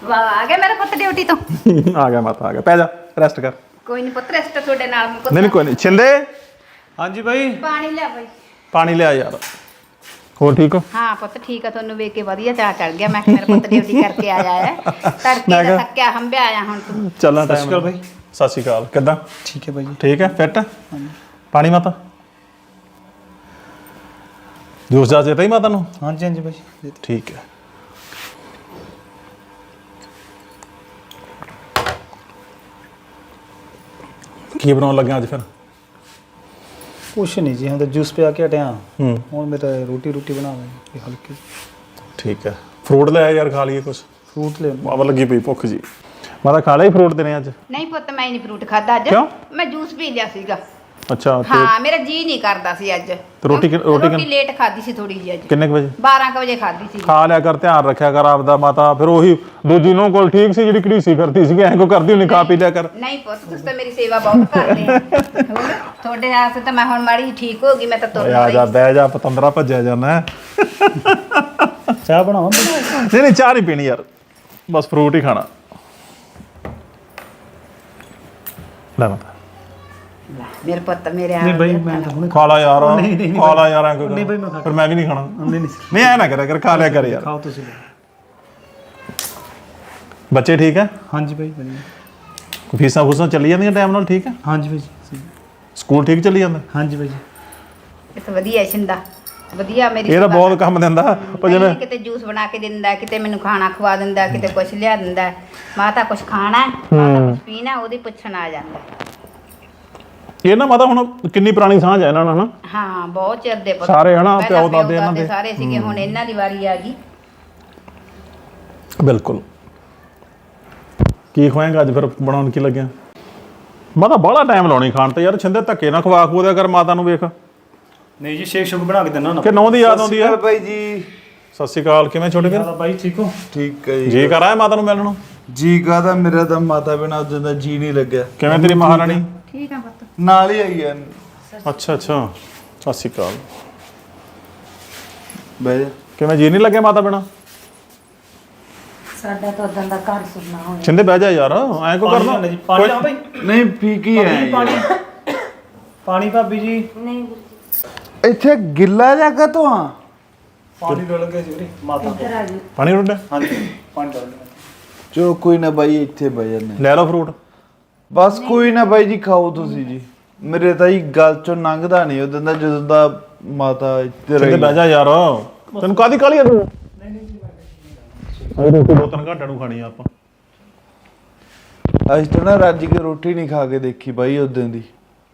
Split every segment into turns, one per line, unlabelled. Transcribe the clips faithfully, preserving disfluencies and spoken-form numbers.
वाह आ गया मेरा पुत्त ड्यूटी तो
आ गया माता आ गया पै जा रेस्ट कर
कोई नहीं पुत्त रेस्ट थोड़े नाल
नहीं नहीं कोई नहीं छिंदे
हाँ जी भाई
पानी ले भाई
पानी ले आ यार ਹੋਰ ਠੀਕ ਹੋ
हाँ पुत्त ठीक है ਤੁਹਾਨੂੰ ਵੇਖ ਕੇ ਵਧੀਆ ਚਾਹ ਚੜ ਗਿਆ ਮੈਂ ਮੇਰਾ ਪੁੱਤ ਡਿਊਟੀ ਕਰਕੇ ਆਇਆ ਹੈ ਤੜਕੇ ਦਾ ਥੱਕਿਆ ਹੰਬਿਆ ਆਇਆ ਹੁਣ ਤੂੰ
ਚੱਲਾਂ
ਸਤਿ ਸ਼੍ਰੀ ਅਕਾਲ ਭਾਈ
ਸਤਿ ਸ਼੍ਰੀ ਅਕਾਲ ਕਿੱਦਾਂ
ठीक है भाई जी
ਠੀਕ ਹੈ ਫਿੱਟ ਪਾਣੀ ਮਾਤਾ ਜੂਸ ਜਾ ਦੇਤਾ ਹੀ ਮਾਤਾ ਨੂੰ
हाँ जी हाँ जी भाई
ਠੀਕ ਹੈ ਕੀ ਬਣਾਉਣ ਲੱਗਾ ਅੱਜ ਫਿਰ
कुछ नहीं जी हम तो जूस पे आके हटे हाँ
ਹੂੰ
और मेरा रोटी रोटी बना लेंगे हल्की
ਠੀਕ ਹੈ ਫਰੂਟ ਲੈ ਆ ਯਾਰ ਖਾ ਲਈਏ ਕੁਛ
फ्रूट ले
ਬਾਬਾ ਲੱਗੀ ਪਈ ਭੁੱਖ ਜੀ ਮਾਤਾ ਖਾ ਲਈ ਫਰੂਟ ਦੇਣੇ ਅੱਜ
ਨਹੀਂ ਪੁੱਤ ਮੈਂ ਨਹੀਂ ਫਰੂਟ ਖਾਦਾ ਅੱਜ
ਕਿਉਂ?
ਮੈਂ ਜੂਸ ਪੀ ਲਿਆ ਸੀਗਾ
ਅੱਛਾ ਤੇ
ਹਾਂ ਮੇਰਾ ਜੀ ਨਹੀਂ ਕਰਦਾ ਸੀ ਅੱਜ
ਤੇ ਰੋਟੀ ਕਿ- ਰੋਟੀ ਕਿ-
ਰੋਟੀ ਲੇਟ ਖਾਦੀ ਸੀ ਥੋੜੀ ਜਿਹੀ ਅੱਜ
ਕਿੰਨੇ ਕੁ ਵਜੇ
ਬਾਰਾਂ ਕੁ ਵਜੇ ਖਾਦੀ ਸੀ
ਖਾ ਲਿਆ ਕਰ ਧਿਆਨ ਰੱਖਿਆ ਕਰ ਆਪਦਾ ਮਾਤਾ ਫਿਰ ਉਹੀ ਦੂਜੀ ਨੂੰ ਕੋਲ ਠੀਕ ਸੀ ਜਿਹੜੀ ਘੜੀਸੀ ਫਿਰਦੀ ਸੀ ਐਂ ਕੋ ਕਰਦੀ ਹੁੰਦੀ ਖਾ ਪੀ ਲਿਆ ਕਰ
ਨਹੀਂ ਪੁੱਤ ਤੁਸੀਂ ਤਾਂ ਮੇਰੀ ਸੇਵਾ ਬਹੁਤ ਕਰਦੇ ਆ ਹੋਰ ਤੁਹਾਡੇ ਵਾਸਤੇ ਤਾਂ ਮੈਂ ਹੁਣ ਮਾੜੀ ਜਿਹੀ ਠੀਕ ਹੋ ਗਈ ਮੈਂ ਤਾਂ ਤੁਰ
ਆ ਜਾ ਬਹਿ ਜਾ ਪਤੰਦਰਾ ਭੱਜਿਆ ਜਾਣਾ
चाह बनाओ
ਨਹੀਂ ਨਹੀਂ ਚਾਹ ਨਹੀਂ ਪੀਣੀ ਯਾਰ ਬਸ ਫਰੂਟ ਹੀ ਖਾਣਾ ਲੈ ਮਾਤਾ
ਮੇਰੇ ਪੁੱਤ ਮੇਰੇ
नहीं
ਆ
भाई मैं तो हुने
ਖਾ ਲਾ ਯਾਰ
ਨਹੀਂ, ਨਹੀਂ, ਨਹੀਂ
ਖਾ ਲਾ ਯਾਰ ਐਂ
ਨਹੀਂ ਬਈ, ਮੈਂ ਖਾ-
ਫਿਰ ਮੈਂ ਵੀ ਨਹੀਂ ਖਾਣਾ
नहीं नहीं
ਨਹੀਂ ਐ ਨਾ ਕਰਿਆ ਕਰ ਖਾ ਲਿਆ ਕਰ ਯਾਰ
खाओ तो चलो
ਬੱਚੇ ਠੀਕ ਹੈ
हाँ जी भाई बढ़िया
ਫੀਸਾਂ ਫੂਸਾਂ ਚੱਲੀ ਜਾਂਦੀਆਂ ਟਾਈਮ ਨਾਲ ਠੀਕ ਹੈ
हाँ जी भाई जी
ਸਕੂਲ ਠੀਕ ਚੱਲੀ ਜਾਂਦਾ
हाँ जी भाई जी
ਇਹ ਤਾਂ ਵਧੀਆ ਛਿੰਦਾ ਵਧੀਆ ਮੇਰੀ
ਇਹ ਤਾਂ
ਸੇਵਾ
ਬਹੁਤ ਕੰਮ ਦਿੰਦਾ ਉਹ ਜਿਵੇਂ
ਨਹੀਂ, ਕਿਤੇ ਜੂਸ ਬਣਾ ਕੇ ਦਿੰਦਾ ਕਿਤੇ ਮੈਨੂੰ ਖਾਣਾ ਖਵਾ ਦਿੰਦਾ ਕਿਤੇ ਕੁਛ ਲਿਆ ਦਿੰਦਾ ਮਾਤਾ ਕੁਛ ਖਾਣਾ ਹੈ, ਮਾਤਾ ਕੁਛ ਪੀਣਾ ਉਹਦੀ ਪੁੱਛਣ ਆ ਜਾਂਦਾ
ਇਹ ਨਾ ਮਾਤਾ ਹੁਣ ਕਿੰਨੀ ਪੁਰਾਣੀ ਸਾਂਝ ਹੈ ਇਹਨਾਂ ਨਾਲ ਨਾ
ਹਾਂ ਬਹੁਤ ਚਿਰ ਦੇ ਪੁੱਤ
ਸਾਰੇ ਹਨਾ,
ਪਹਿਲਾਂ
ਪਿਓ ਦਾਦੇ ਇਹਨਾਂ ਦੇ।
ਸਾਰੇ ਸੀਗੇ ਹੁਣ ਇਹਨਾਂ ਦੀ ਵਾਰੀ ਆ ਗਈ
ਬਿਲਕੁਲ ਕੀ ਖਵਾਏਗਾ ਅੱਜ ਫਿਰ ਬਣਾਉਣ ਕੀ ਲੱਗਿਆ ਮਾਤਾ ਬੜਾ ਟਾਈਮ ਲਾਉਣੀ ਖਾਣ ਤੇ ਯਾਰ ਛਿੰਦੇ ਧੱਕੇ ਨਾ ਖਵਾ ਖੂ ਦਿਆ ਕਰ ਮਾਤਾ ਨੂੰ ਵੇਖ
नहीं जी शेक शुक बना के देना ना
ਕਿ ਨੌਂ ਦੀ ਯਾਦ ਆਉਂਦੀ ਹੈ
ਭਾਈ ਜੀ
ਸਤਿ ਸ਼੍ਰੀ ਅਕਾਲ ਕਿਵੇਂ ਛੋਟੇ ਵੀਰ
भाई ठीक हो
ਠੀਕ ਹੈ ਜੀ
ਜੀ ਕਰ ਆਇਆ ਮਾਤਾ ਨੂੰ ਮਿਲਣ ਨੂੰ
ਜੀ ਕਾਹਦਾ ਮੇਰਾ ਤਾਂ ਮਾਤਾ ਬਿਨਾ ਉਦੋਂ ਦਾ ਜੀ ਨਹੀਂ ਲੱਗਿਆ
ਕਿਵੇਂ ਤੇਰੀ ਮਹਾਰਾਣੀ
ਠੀਕ ਆ ਪੁੱਤ
ਨਾਲ ਹੀ ਆਈ ਆ
ਅੱਛਾ ਅੱਛਾ ਸਤਿ ਸ਼੍ਰੀ ਅਕਾਲ
ਬਹਿ ਜਾ
ਕਿਵੇਂ ਜੀ ਨਹੀਂ ਲੱਗਿਆ ਮਾਤਾ ਬਿਨਾ
ਸਾਡਾ ਤਾਂ ਉਦੋਂ ਦਾ ਘਰ ਸੁਣਨਾ ਹੋਇਆ
ਛਿੰਦੇ ਬਹਿ ਜਾ ਯਾਰ ਐਂ ਕੋ ਕਰਨਾ
जी पानी लाओ भाई
ਨਹੀਂ ਫੀਕੀ ਹੈ
पानी पानी भाभी जी
ਨਹੀਂ
ਇੱਥੇ ਗਿੱਲਾ ਜਗ੍ਹਾ ਤੋਂ ਆ
पानी डाल के जी माता
ਇੱਧਰ ਆ ਜੀ
ਪਾਣੀ ਰੋਟਾ
हाँ जी पानी डाल के
ਚੋ ਕੋਈ ਨਾ ਬਾਈ ਇੱਥੇ ਬਹਿ ਜਾਂਦੇ
ਲੈ ਲਓ ਫਰੂਟ
ਬਸ ਕੋਈ ਨਾ ਬਾਈ ਜੀ ਖਾਓ ਤੁਸੀਂ ਜੀ ਮੇਰੇ ਤਾਂ ਹੀ ਗੱਲ ਚੋਂ ਲੰਘਦਾ ਨਹੀਂ ਉਦੋਂ ਦਾ ਜਦੋਂ ਦਾ ਮਾਤਾ ਇੱਥੇ
ਛਿੰਦੇ
ਰਹੀ
ਬਹਿ ਜਾ ਯਾਰ ਤੈਨੂੰ ਕਾਦੀ ਕਾਲੀ ਆ ਤੂੰ ਅਰੇ ਰੋਟੀ ਦੋ ਤਿੰਨ ਘੰਟਿਆਂ ਨੂੰ ਖਾਣੀ ਆ ਆਪਾਂ
ਅੱਜ ਤਾਂ ਨਾ ਰੱਜ ਕੇ ਰੋਟੀ ਨਹੀਂ ਖਾ ਕੇ ਦੇਖੀ ਬਾਈ ਉਦੋਂ ਦੀ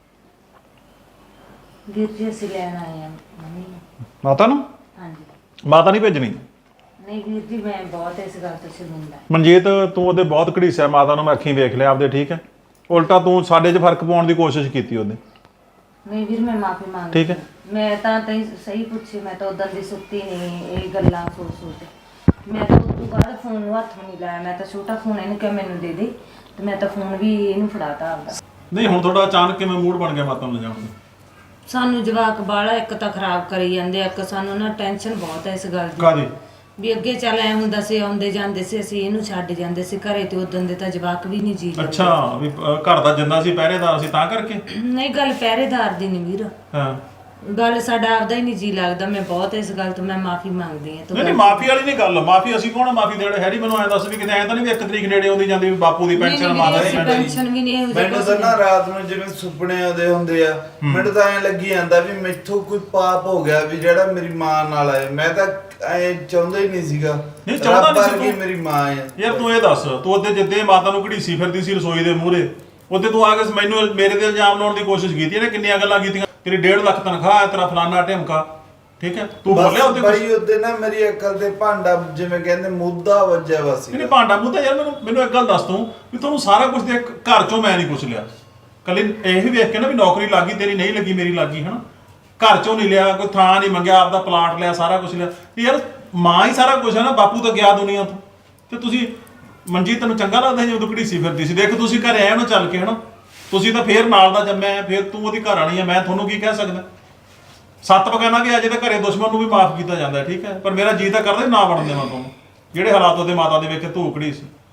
ਵੀਰ ਜੀ ਅਸੀਂ ਲੈਣ ਆਏ ਆ ਮੰਮੀ ਨੂੰ।
ਮਾਤਾ ਨੂੰ
ਹਾਂਜੀ
ਮਾਤਾ ਨਹੀਂ ਭੇਜਣੀ
ਨਹੀਂ ਵੀਰ ਜੀ ਮੈਂ ਬਹੁਤ ਇਸ ਗੱਲ ਤੋਂ ਸ਼ਰਮਿੰਦਾ
ਮਨਜੀਤ ਤੂੰ ਉਹਦੇ ਬਹੁਤ ਘੜੀਸਿਆ ਮਾਤਾ ਨੂੰ ਮੈਂ ਅੱਖੀਂ ਵੇਖ ਲਿਆ ਆਪਦੇ ਠੀਕ ਹੈ ਉਲਟਾ ਤੂੰ ਸਾਡੇ 'ਚ ਫਰਕ ਪਾਉਣ ਦੀ ਕੋਸ਼ਿਸ਼ ਕੀਤੀ ਉਹਦੇ
ਨਹੀਂ ਵੀਰ ਮੈਂ ਮਾਫੀ ਮੰਗਦੀ
ਠੀਕ ਹੈ।
ਮੈਂ ਤਾਂ ਤੈਨੂੰ ਸਹੀ ਪੁੱਛੀ ਮੈਂ ਤਾਂ ਉਦੋਂ ਦੀ ਸੁੱਤੀ ਨਹੀਂ ਇਹ ਗੱਲਾਂ ਸੋਚ ਸੋਚ ਮੈਂ ਤਾਂ ਉਸ ਤੋਂ ਬਾਅਦ ਫੋਨ ਨੂੰ ਹੱਥ ਨਹੀਂ ਲਾਇਆ ਮੈਂ ਤਾਂ ਛੋਟਾ ਫੋਨ ਇਹਨੂੰ ਕਿਹਾ ਮੈਨੂੰ ਦੇ ਦੇ ਤੇ ਮੈਂ ਤਾਂ ਫੋਨ ਵੀ ਇਹਨੂੰ ਫੜਾਤਾ ਆਪਦਾ
ਨਹੀਂ ਹੁਣ ਤੁਹਾਡਾ ਅਚਾਨਕ ਕਿਵੇਂ ਮੂਡ ਬਣ ਗਿਆ ਮਾਤਾ ਨੂੰ ਲਿਜਾਣ ਦਾ
ਸਾਨੂੰ ਜਵਾਕ ਬਾਲਾ ਇੱਕ ਤਾਂ ਖਰਾਬ ਕਰੀ ਜਾਂਦੇ ਆ, ਇੱਕ ਸਾਨੂੰ ਨਾ ਟੈਨਸ਼ਨ ਬਹੁਤ ਹੈ ਇਸ ਗੱਲ ਦੀ
ਕਾਦੀ
ਵੀ ਅੱਗੇ ਚੱਲ ਐ ਹੁੰਦਾ ਸੀ ਆਉਂਦੇ ਜਾਂਦੇ ਸੀ ਅਸੀਂ ਇਹਨੂੰ ਛੱਡ ਜਾਂਦੇ ਸੀ ਘਰੇ ਤੇ ਉਦੋਂ ਦੇ ਤਾਂ ਜਵਾਕ ਵੀ ਨਹੀਂ ਜੀ
ਅੱਛਾ ਵੀ ਅ, ਘਰ ਦਾ ਜਿੰਦਾ ਸੀ ਪਹਿਰੇਦਾਰ ਸੀ ਤਾਂ ਕਰਕੇ
ਨਹੀਂ ਗੱਲ ਪਹਿਰੇਦਾਰ ਦੀ ਨਹੀਂ ਵੀਰ
ਹਾਂ
ਗੱਲ ਸਾਡਾ ਆਪਦਾ ਹੀ ਨਹੀਂ ਜੀ ਲੱਗਦਾ ਮੈਂ ਬਹੁਤ ਇਸ ਗੱਲ ਤੋਂ ਮੈਂ ਮਾਫੀ ਮੰਗਦੀ ਹਾਂ
ਨਹੀਂ ਨਹੀਂ ਮਾਫੀ ਵਾਲੀ ਨਹੀਂ ਗੱਲ ਮਾਫੀ ਅਸੀਂ ਕੌਣ ਮਾਫੀ ਦੇੜੇ ਹੈਰੀ ਮੈਨੂੰ ਐਂ ਦੱਸ ਵੀ ਕਿਤੇ ਐਂ ਤਾਂ ਨਹੀਂ ਵੀ ਇੱਕ ਤਰੀਕ ਨੇੜੇ ਆਉਂਦੀ ਜਾਂਦੀ ਵੀ ਬਾਪੂ ਦੀ ਪੈਨਸ਼ਨ ਮਾਤਾ ਦੀ ਪੈਨਸ਼ਨ
ਟੈਨਸ਼ਨ ਵੀ ਨਹੀਂ ਇਹੋ
ਮੈਨੂੰ ਤਾਂ ਨਾ ਰਾਤ ਨੂੰ ਜਿਵੇਂ ਸੁਪਨੇ ਆਉਂਦੇ ਹੁੰਦੇ ਆ ਮੈਨੂੰ ਤਾਂ ਐਂ ਲੱਗੀ ਜਾਂਦਾ ਵੀ ਮੈਥੋਂ ਕੋਈ ਪਾਪ ਹੋ ਗਿਆ ਵੀ ਜਿਹੜਾ ਮੇਰੀ ਮਾਂ ਨਾਲ ਆਏ ਮੈਂ ਤਾਂ ਐਂ ਚਾਹੁੰਦਾ ਹੀ ਨਹੀਂ ਸੀਗਾ
ਨਹੀਂ ਚਾਹੁੰਦਾ ਨਹੀਂ ਸੀ
ਵਰਗੀ
ਤੂੰ।
ਮੇਰੀ ਮਾਂ ਹੈ
ਯਾਰ ਤੂੰ ਇਹ ਦੱਸ ਤੂੰ ਉਹਦੇ ਜਿੱਦੇ ਮਾਤਾ ਨੂੰ ਘੜੀਸੀ ਫਿਰਦੀ ਸੀ ਰਸੋਈ ਦੇ ਮੂਹਰੇ ਉਹਦੇ ਤੂੰ ਆ ਕੇ ਮੈਨੂੰ ਮੇਰੇ ਤੇ ਇਲਜ਼ਾਮ ਲਾਉਣ ਦੀ ਕੋਸ਼ਿਸ਼ ਕੀਤੀ ਇਹਨੇ ਕਿੰਨੀਆਂ ਗੱਲਾਂ ਕੀਤੀਆਂ ਤੇਰੀ ਡੇਢ ਲੱਖ ਤਨਖਾਹ ਹੈ ਤੇਰਾ ਫਲਾਨਾ ਢਿਮਕਾ ਠੀਕ ਹੈ ਤੂੰ ਬੋਲਿਆ ਉਹਦੇ ਕੁਝ
ਬਈ ਉਹਦੇ ਨਾ ਮੇਰੀ ਅਕਲ ਤੇ ਭਾਂਡਾ ਜਿਵੇਂ ਕਹਿੰਦੇ ਮੁੱਦਾ ਵੱਜਿਆ ਵਾ ਸੀ
ਨਹੀਂ ਭਾਂਡਾ ਮੁੱਦਾ ਯਾਰ ਮੈਨੂੰ ਮੈਨੂੰ ਇੱਕ ਗੱਲ ਦੱਸ ਤੂੰ ਵੀ ਤੁਹਾਨੂੰ ਸਾਰਾ ਕੁਝ ਦੇ ਘਰ ਚੋਂ ਮੈਂ ਨਹੀਂ ਪੁੱਛ ਲਿਆ ਕੱਲੀ ਇਹ ਵੀ ਵੇਖ ਕੇ ਨਾ ਵੀ ਨੌਕਰੀ ਲੱਗੀ ਤੇਰੀ ਨਹੀਂ ਲੱਗੀ ਮੇਰੀ ਲੱਗੀ ਹਨਾ ਘਰ ਚੋਂ ਨਹੀਂ ਲਿਆ ਕੋਈ ਥਾਂ ਨਹੀਂ ਮੰਗਿਆ ਆਪਦਾ ਪਲਾਟ ਲਿਆ ਸਾਰਾ ਕੁਝ ਲਿਆ ਯਾਰ ਮਾਂ ਹੀ ਸਾਰਾ ਕੁਝ ਹੈ ਨਾ ਬਾਪੂ ਤਾਂ ਗਿਆ ਦੁਨੀਆ ਤੋਂ ਤੇ ਤੁਸੀਂ ਮਨਜੀਤ ਤੈਨੂੰ ਚੰਗਾ ਲੱਗਦਾ ਜਦੋਂ ਘੜੀਸੀ ਫਿਰਦੀ ਸੀ ਦੇਖ ਤੁਸੀਂ ਘਰੇ ਆਏ ਉਹਨੂੰ ਚੱਲ ਕੇ ਹਨਾ ਤੁਸੀਂ ਤਾਂ ਫੇਰ ਨਾਲ ਦਾ ਜੰਮਿਆ ਫੇਰ ਤੂੰ ਉਹਦੀ ਘਰ ਵਾਲੀ ਆ ਮੈਂ ਤੁਹਾਨੂੰ ਕੀ ਕਹਿ ਸਕਦਾ ਸੱਤ ਬਗਾਨਾ ਵੀ ਅਜੇ ਤਾਂ ਘਰੇ ਦੁਸ਼ਮਣ ਨੂੰ ਵੀ ਮਾਫ ਕੀਤਾ ਜਾਂਦਾ ਠੀਕ ਹੈ ਪਰ ਮੇਰਾ ਜੀ ਤਾਂ ਕਰਦਾ ਨਾ ਬਣਨ ਦੇਵਾਂ ਤੁਹਾਨੂੰ ਜਿਹੜੇ ਹਾਲਾਤ ਉਹਦੇ ਮਾਤਾ ਦੇ ਵਿੱਚ ਧੂਕੜੀ ਸੀ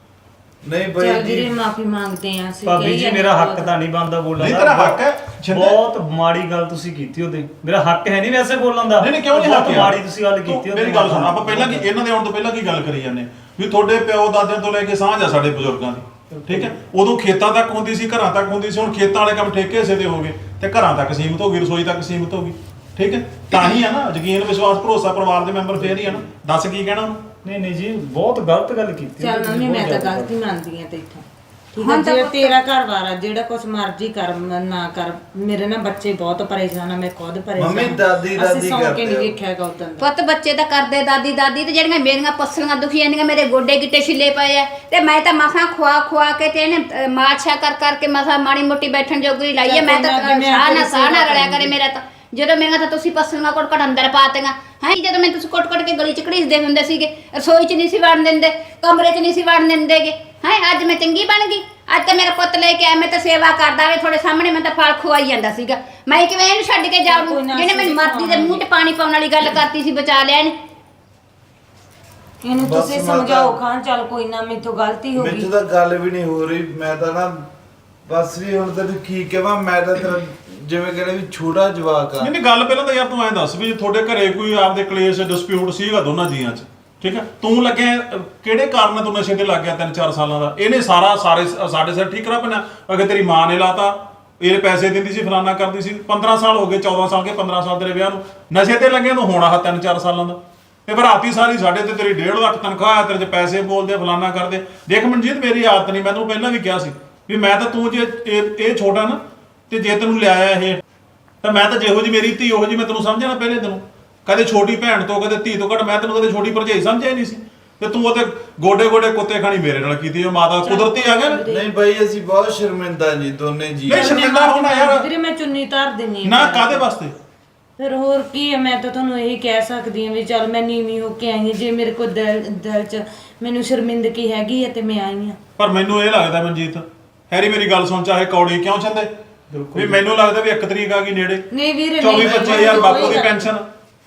ਨਹੀਂ ਬਾਈ
ਚੱਲ
ਜੀ
ਵੀਰੇ ਮਾਫੀ ਮੰਗਦੇ ਆ ਅਸੀਂ
ਭਾਬੀ
ਕਹੀ
ਜੀ
ਜਾਂਦੇ
ਮੇਰਾ ਹੱਕ
ਬਹੁਤ।
ਤਾਂ ਨਹੀਂ ਬਣਦਾ ਬੋਲਣ
ਨਹੀਂ
ਦਾ।
ਤੇਰਾ ਹੱਕ ਹੈ ਛਿੰਦੇ
ਬਹੁਤ ਮਾੜੀ ਗੱਲ ਤੁਸੀਂ ਕੀਤੀ ਉਹਦੇ ਮੇਰਾ ਹੱਕ ਹੈ ਨਹੀਂ ਵੈਸੇ ਬੋਲਣ ਦਾ
ਨਹੀਂ ਨਹੀਂ ਕਿਉਂ ਨਹੀਂ
ਬਹੁਤ
ਹੱਕ ਯਾਰ?
ਮਾੜੀ ਤੁਸੀਂ ਗੱਲ ਕੀਤੀ
ਮੇਰੀ ਗੱਲ ਸੁਣ ਆਪਾਂ ਪਹਿਲਾਂ ਕੀ ਇਹਨਾਂ ਦੇ ਆਉਣ ਤੋਂ ਪਹਿਲਾਂ ਕੀ ਗੱਲ ਕਰੀ ਜਾਂਦੇ ਵੀ ਤੁਹਾਡੇ ਪਿਓ ਦਾਦਿਆਂ ਤੋਂ ਲੈ ਕੇ ਸਾਂਝ ਆ ਸਾਡੇ ਬਜ਼ੁਰਗਾਂ ਦੀ ਠੀਕ ਹੈ ਉਦੋਂ ਖੇਤਾਂ ਤੱਕ ਹੁੰਦੀ ਸੀ ਘਰਾਂ ਤੱਕ ਹੁੰਦੀ ਸੀ ਹੁਣ ਖੇਤਾਂ ਵਾਲੇ ਕੰਮ ਠੇਕੇ ਹਿੱਸੇ ਦੇ ਹੋ ਗਏ ਤੇ ਘਰਾਂ ਤੱਕ ਸੀਮਿਤ ਹੋ ਗਈ ਰਸੋਈ ਤੱਕ ਸੀਮਿਤ ਹੋ ਗਈ ਠੀਕ ਹੈ ਤਾਂ ਹੀ ਆ ਨਾ ਯਕੀਨ ਵਿਸ਼ਵਾਸ ਭਰੋਸਾ ਪਰਿਵਾਰ ਦੇ ਮੈਂਬਰ ਫੇਰ ਹੀ ਆ ਨਾ ਦੱਸ ਕੀ ਕਹਿਣਾ ਉਹਨੂੰ
ਨਹੀਂ ਨਹੀਂ ਜੀ ਬਹੁਤ ਗਲਤ ਗੱਲ ਕੀਤੀ
ਚੱਲ
ਤੁਸੀਂ,
ਮੰਮੀ
ਬਹੁਤ
ਮੈਂ ਤਾਂ
ਜ਼ਿਆਦਾ
ਗਲਤੀ ਮੰਨਦੀ ਆ ਤੇ ਇੱਥੋਂ ਠੀਕ ਹੈ ਜੇ ਤੇਰਾ ਘਰ ਵਾਰ ਆ ਜਿਹੜਾ ਕੁਛ ਮਰਜ਼ੀ ਕਰ ਮ- ਨਾ ਕਰ ਮੇਰੇ ਨਾਲ ਬੱਚੇ ਬਹੁਤ ਪਰੇਸ਼ਾਨ ਆ ਮੈਂ ਖੁਦ ਪਰੇਸ਼ਾਨ
ਮੰਮੀ
ਆ।
ਦਾਦੀ
ਅਸੀਂ
ਦਾਦੀ
ਸੌਂ ਕੇ
ਕਰਦੇ
ਨਹੀਂ
ਹੋ।
ਵੇਖਿਆਗਾ ਉਦੋਂ
ਪੁੱਤ ਬੱਚੇ ਤਾਂ ਕਰਦੇ ਦਾਦੀ ਦਾਦੀ ਤੇ ਜਿਹੜੀਆਂ ਮੇਰੀਆਂ ਪਸਲੀਆਂ ਦੁਖੀ ਜਾਂਦੀਆਂ ਮੇਰੇ ਗੋਡੇ ਗਿੱਟੇ ਛਿੱਲੇ ਪਏ ਆ ਤੇ ਮੈਂ ਤਾਂ ਮਸਾਂ ਖਵਾ ਖਵਾ ਕੇ ਤੇ ਇਹਨੇ ਅਹ, ਮਾਛਾ ਕਰ ਕਰਕੇ ਮਸਾਂ ਮਾੜੀ ਮੋਟੀ ਬੈਠਣ ਜੋਗੀ ਲਾਈ ਆ ਮੈਂ ਤਾਂ
ਚੱਲ ਕੋਈ ਨਾ,
ਸਾਹ ਨਾ
ਮੈਂ
ਸਾਹ ਨਾ
ਤੇਰੀ
ਰਲਿਆ ਕਰੇ ਮੇਰਾ ਤਾਂ ਜਦੋਂ ਮੇਰੀਆਂ ਤਾਂ ਤੁਸੀਂ ਪਸਲੀਆਂ ਕੋਟ ਕੋਟ ਅੰਦਰ ਪਾਤੀਆਂ ਹੈ ਜਦੋਂ ਮੈਂ ਤੁਸੀਂ ਕੋਟ ਕੋਟ ਕੇ ਗਲੀ ਚ ਘੜੀਸਦੇ ਹੁੰਦੇ ਸੀਗੇ ਰਸੋਈ ਚ ਨਹੀਂ ਸੀ ਵੜਨ ਦਿੰਦੇ ਕਮਰੇ ਚ ਨਹੀਂ ਸੀ ਵੜਨ ਦਿੰਦੇਗੇ ਹੈ ਅੱਜ ਮੈਂ ਚੰਗੀ ਬਣ ਗਈ ਅੱਜ ਤਾਂ ਮੇਰਾ ਪੁੱਤ ਲੈ ਕੇ ਆਇਆ ਮੈਂ ਤਾਂ ਸੇਵਾ ਕਰਦਾ ਵੇ ਤੁਹਾਡੇ ਸਾਹਮਣੇ ਮੈਂ ਤਾਂ ਫਲ ਖਵਾਈ ਜਾਂਦਾ ਸੀਗਾ ਮੈਂ ਕਿਵੇਂ ਇਹਨੂੰ ਛੱਡ ਕੇ ਜਾਊਂ
ਕੋਈ ਨਾ,
ਜਿਹਨੇ ਮੈਨੂੰ
ਅਸੀਂ
ਮਰਦੀ ਦੇ ਮੂੰਹ 'ਚ ਪਾਣੀ ਪਾਉਣ ਵਾਲੀ ਗੱਲ ਕਰਤੀ ਸੀ ਬਚਾ ਲਿਆ ਇਹਨੇ
ਇਹਨੂੰ
ਬਸ
ਤੁਸੀਂ
ਮਾਤਾ-
ਸਮਝਾਓ ਖਾਨ ਚੱਲ ਕੋਈ ਨਾ ਮੇਥੋਂ ਗਲਤੀ ਹੋ
ਮੈਨੂੰ
ਗਈ
ਤਾਂ ਗੱਲ ਵੀ ਨਹੀਂ ਹੋ ਰਹੀ ਮੈਂ ਤਾਂ ਨਾ ਬਸ ਵੀ ਹੁਣ ਤੈਨੂੰ ਕੀ ਕਹਾਂ ਮੈਂ ਤਾਂ ਤੇਰਾ ਜਿਵੇਂ ਕਹਿੰਦੇ ਵੀ ਛੋਟਾ ਜਵਾਕ ਆ
ਨਹੀਂ ਨਹੀਂ ਗੱਲ ਪਹਿਲਾਂ ਤਾਂ ਯਾਰ ਤੂੰ ਐਂ ਦੱਸ ਵੀ ਤੁਹਾਡੇ ਘਰੇ ਕੋਈ ਆਪਦੇ ਕਲੇਸ਼ ਡਿਸਪਿਊਟ ਸੀਗਾ ਦੋਨਾਂ ਜੀਆਂ 'ਚ ਠੀਕ ਹੈ ਤੂੰ ਲੱਗਿਆ ਅਹ, ਕਿਹੜੇ ਕਾਰਨ ਨਾਲ ਤੂੰ ਨਸ਼ੇ ਤੇ ਲੱਗ ਗਿਆ ਤਿੰਨ ਚਾਰ ਸਾਲਾਂ ਦਾ ਇਹਨੇ ਸਾਰਾ ਸਾਰੇ ਸਾਡੇ ਸਿਰ ਠੀਕ ਕਰਾ ਪੈਣਾ ਅਗੇ ਤੇਰੀ ਮਾਂ ਨੇ ਲਾਤਾ ਇਹ ਪੈਸੇ ਦਿੰਦੀ ਸੀ ਫਲਾਨਾ ਕਰਦੀ ਸੀ ਪੰਦਰਾਂ ਸਾਲ ਹੋ ਗਏ ਚੌਦਾਂ ਸਾਲ ਕੇ ਪੰਦਰਾਂ ਸਾਲ ਤੇਰੇ ਵਿਆਹ ਨੂੰ ਨਸ਼ੇ ਤੇ ਲੱਗਿਆ ਤੂੰ ਹੁਣ ਆਹ ਤਿੰਨ ਚਾਰ ਸਾਲਾਂ ਦਾ ਇਹ ਭਰਾਤੀ ਸਾਰੀ ਸਾਡੇ ਤੇ ਤੇਰੀ ਡੇਢ ਲੱਖ ਤਨਖਾਹ ਆ ਤੇਰੇ 'ਚ ਪੈਸੇ ਬੋਲਦੇ ਫਲਾਨਾ ਕਰਦੇ ਦੇਖ ਮਨਜੀਤ ਮੇਰੀ ਆਦਤ ਨਹੀਂ ਮੈਂ ਤੈਨੂੰ ਪਹਿਲਾਂ ਵੀ ਕਿਹਾ ਸੀ ਵੀ ਮੈਂ ਤਾਂ ਤੂੰ ਜੇ ਇਹ ਇਹ ਛੋਟਾ ਨਾ ਤੇ ਜੇ ਤੈਨੂੰ ਲਿਆਇਆ ਇਹ ਤਾਂ ਮੈਂ ਤਾਂ ਜਿਹੋ ਜੀ ਮੇਰੀ ਧੀ ਉਹੋ ਜੀ ਮੈਂ ਤੈਨੂੰ ਸਮਝਿਆ ਨਾ ਪਹਿਲੇ ਤੈਨੂੰ ਕਦੇ ਛੋਟੀ ਭੈਣ ਤੋਂ ਕਦੇ ਧੀ ਤੋਂ ਘੱਟ ਮੈਂ ਤੈਨੂੰ ਕਦੇ ਛੋਟੀ ਭਰਜਾਈ ਸਮਝਿਆ ਹੀ ਨਹੀਂ ਸੀ ਤੇ ਤੂੰ ਉਹਦੇ ਗੋਡੇ ਗੋਡੇ ਕੁੱਤੇ ਖਾਣੀ ਮੇਰੇ ਨਾਲ ਕੀਤੀ ਉਹ ਮਾਤਾ ਕੁਦਰਤੀ ਆ ਗਿਆ ਨਾ
ਨਹੀਂ ਬਾਈ ਅਸੀਂ ਬਹੁਤ ਸ਼ਰਮਿੰਦਾ ਜੀ ਦੋਨੇ ਜੀ
ਨਹੀਂ ਸ਼ਰਮਿੰਦਾ ਹੋਣਾ ਯਾਰ
ਵੀਰੇ ਮੈਂ ਚੁੰਨੀ ਧਾਰ ਦਿੰਨੀ ਆ
ਨਾ ਕਾਦੇ ਵਾਸਤੇ
ਫਿਰ ਹੋਰ ਕੀ ਹੈ ਮੈਂ ਤਾਂ ਤੁਹਾਨੂੰ ਇਹੀ ਕਹਿ ਸਕਦੀ ਹਾਂ ਵੀ ਚੱਲ ਮੈਂ ਨੀਵੀਂ ਹੋ ਕੇ ਆਈ ਹਾਂ ਜੇ ਮੇਰੇ ਕੋਲ ਦਿਲ ਦਿਲ 'ਚ ਮੈਨੂੰ ਸ਼ਰਮਿੰਦਗੀ ਹੈਗੀ ਹੈ ਤੇ ਮੈਂ ਆਈ ਹਾਂ
ਪਰ ਮੈਨੂੰ ਇਹ ਲੱਗਦਾ ਮਨਜੀਤ ਹੈਰੀ ਮੇਰੀ ਗੱਲ ਸੁਣ ਚਾਹੇ ਕੌੜੀ ਕਿਉਂ ਚੰਦੇ ਵੀ ਮੈਨੂੰ ਲੱਗਦਾ ਵੀ ਇੱਕ ਤਰੀਕ ਆ ਗਈ ਨੇੜੇ
ਨਹੀਂ ਵੀਰੇ
ਚੌਵੀ
ਨਹੀਂ,
ਪੱਚੀ ਹਜ਼ਾਰ
ਕੋਈ
ਬਾਪੂ ਦੀ
ਗੱਲ
ਪੈਨਸ਼ਨ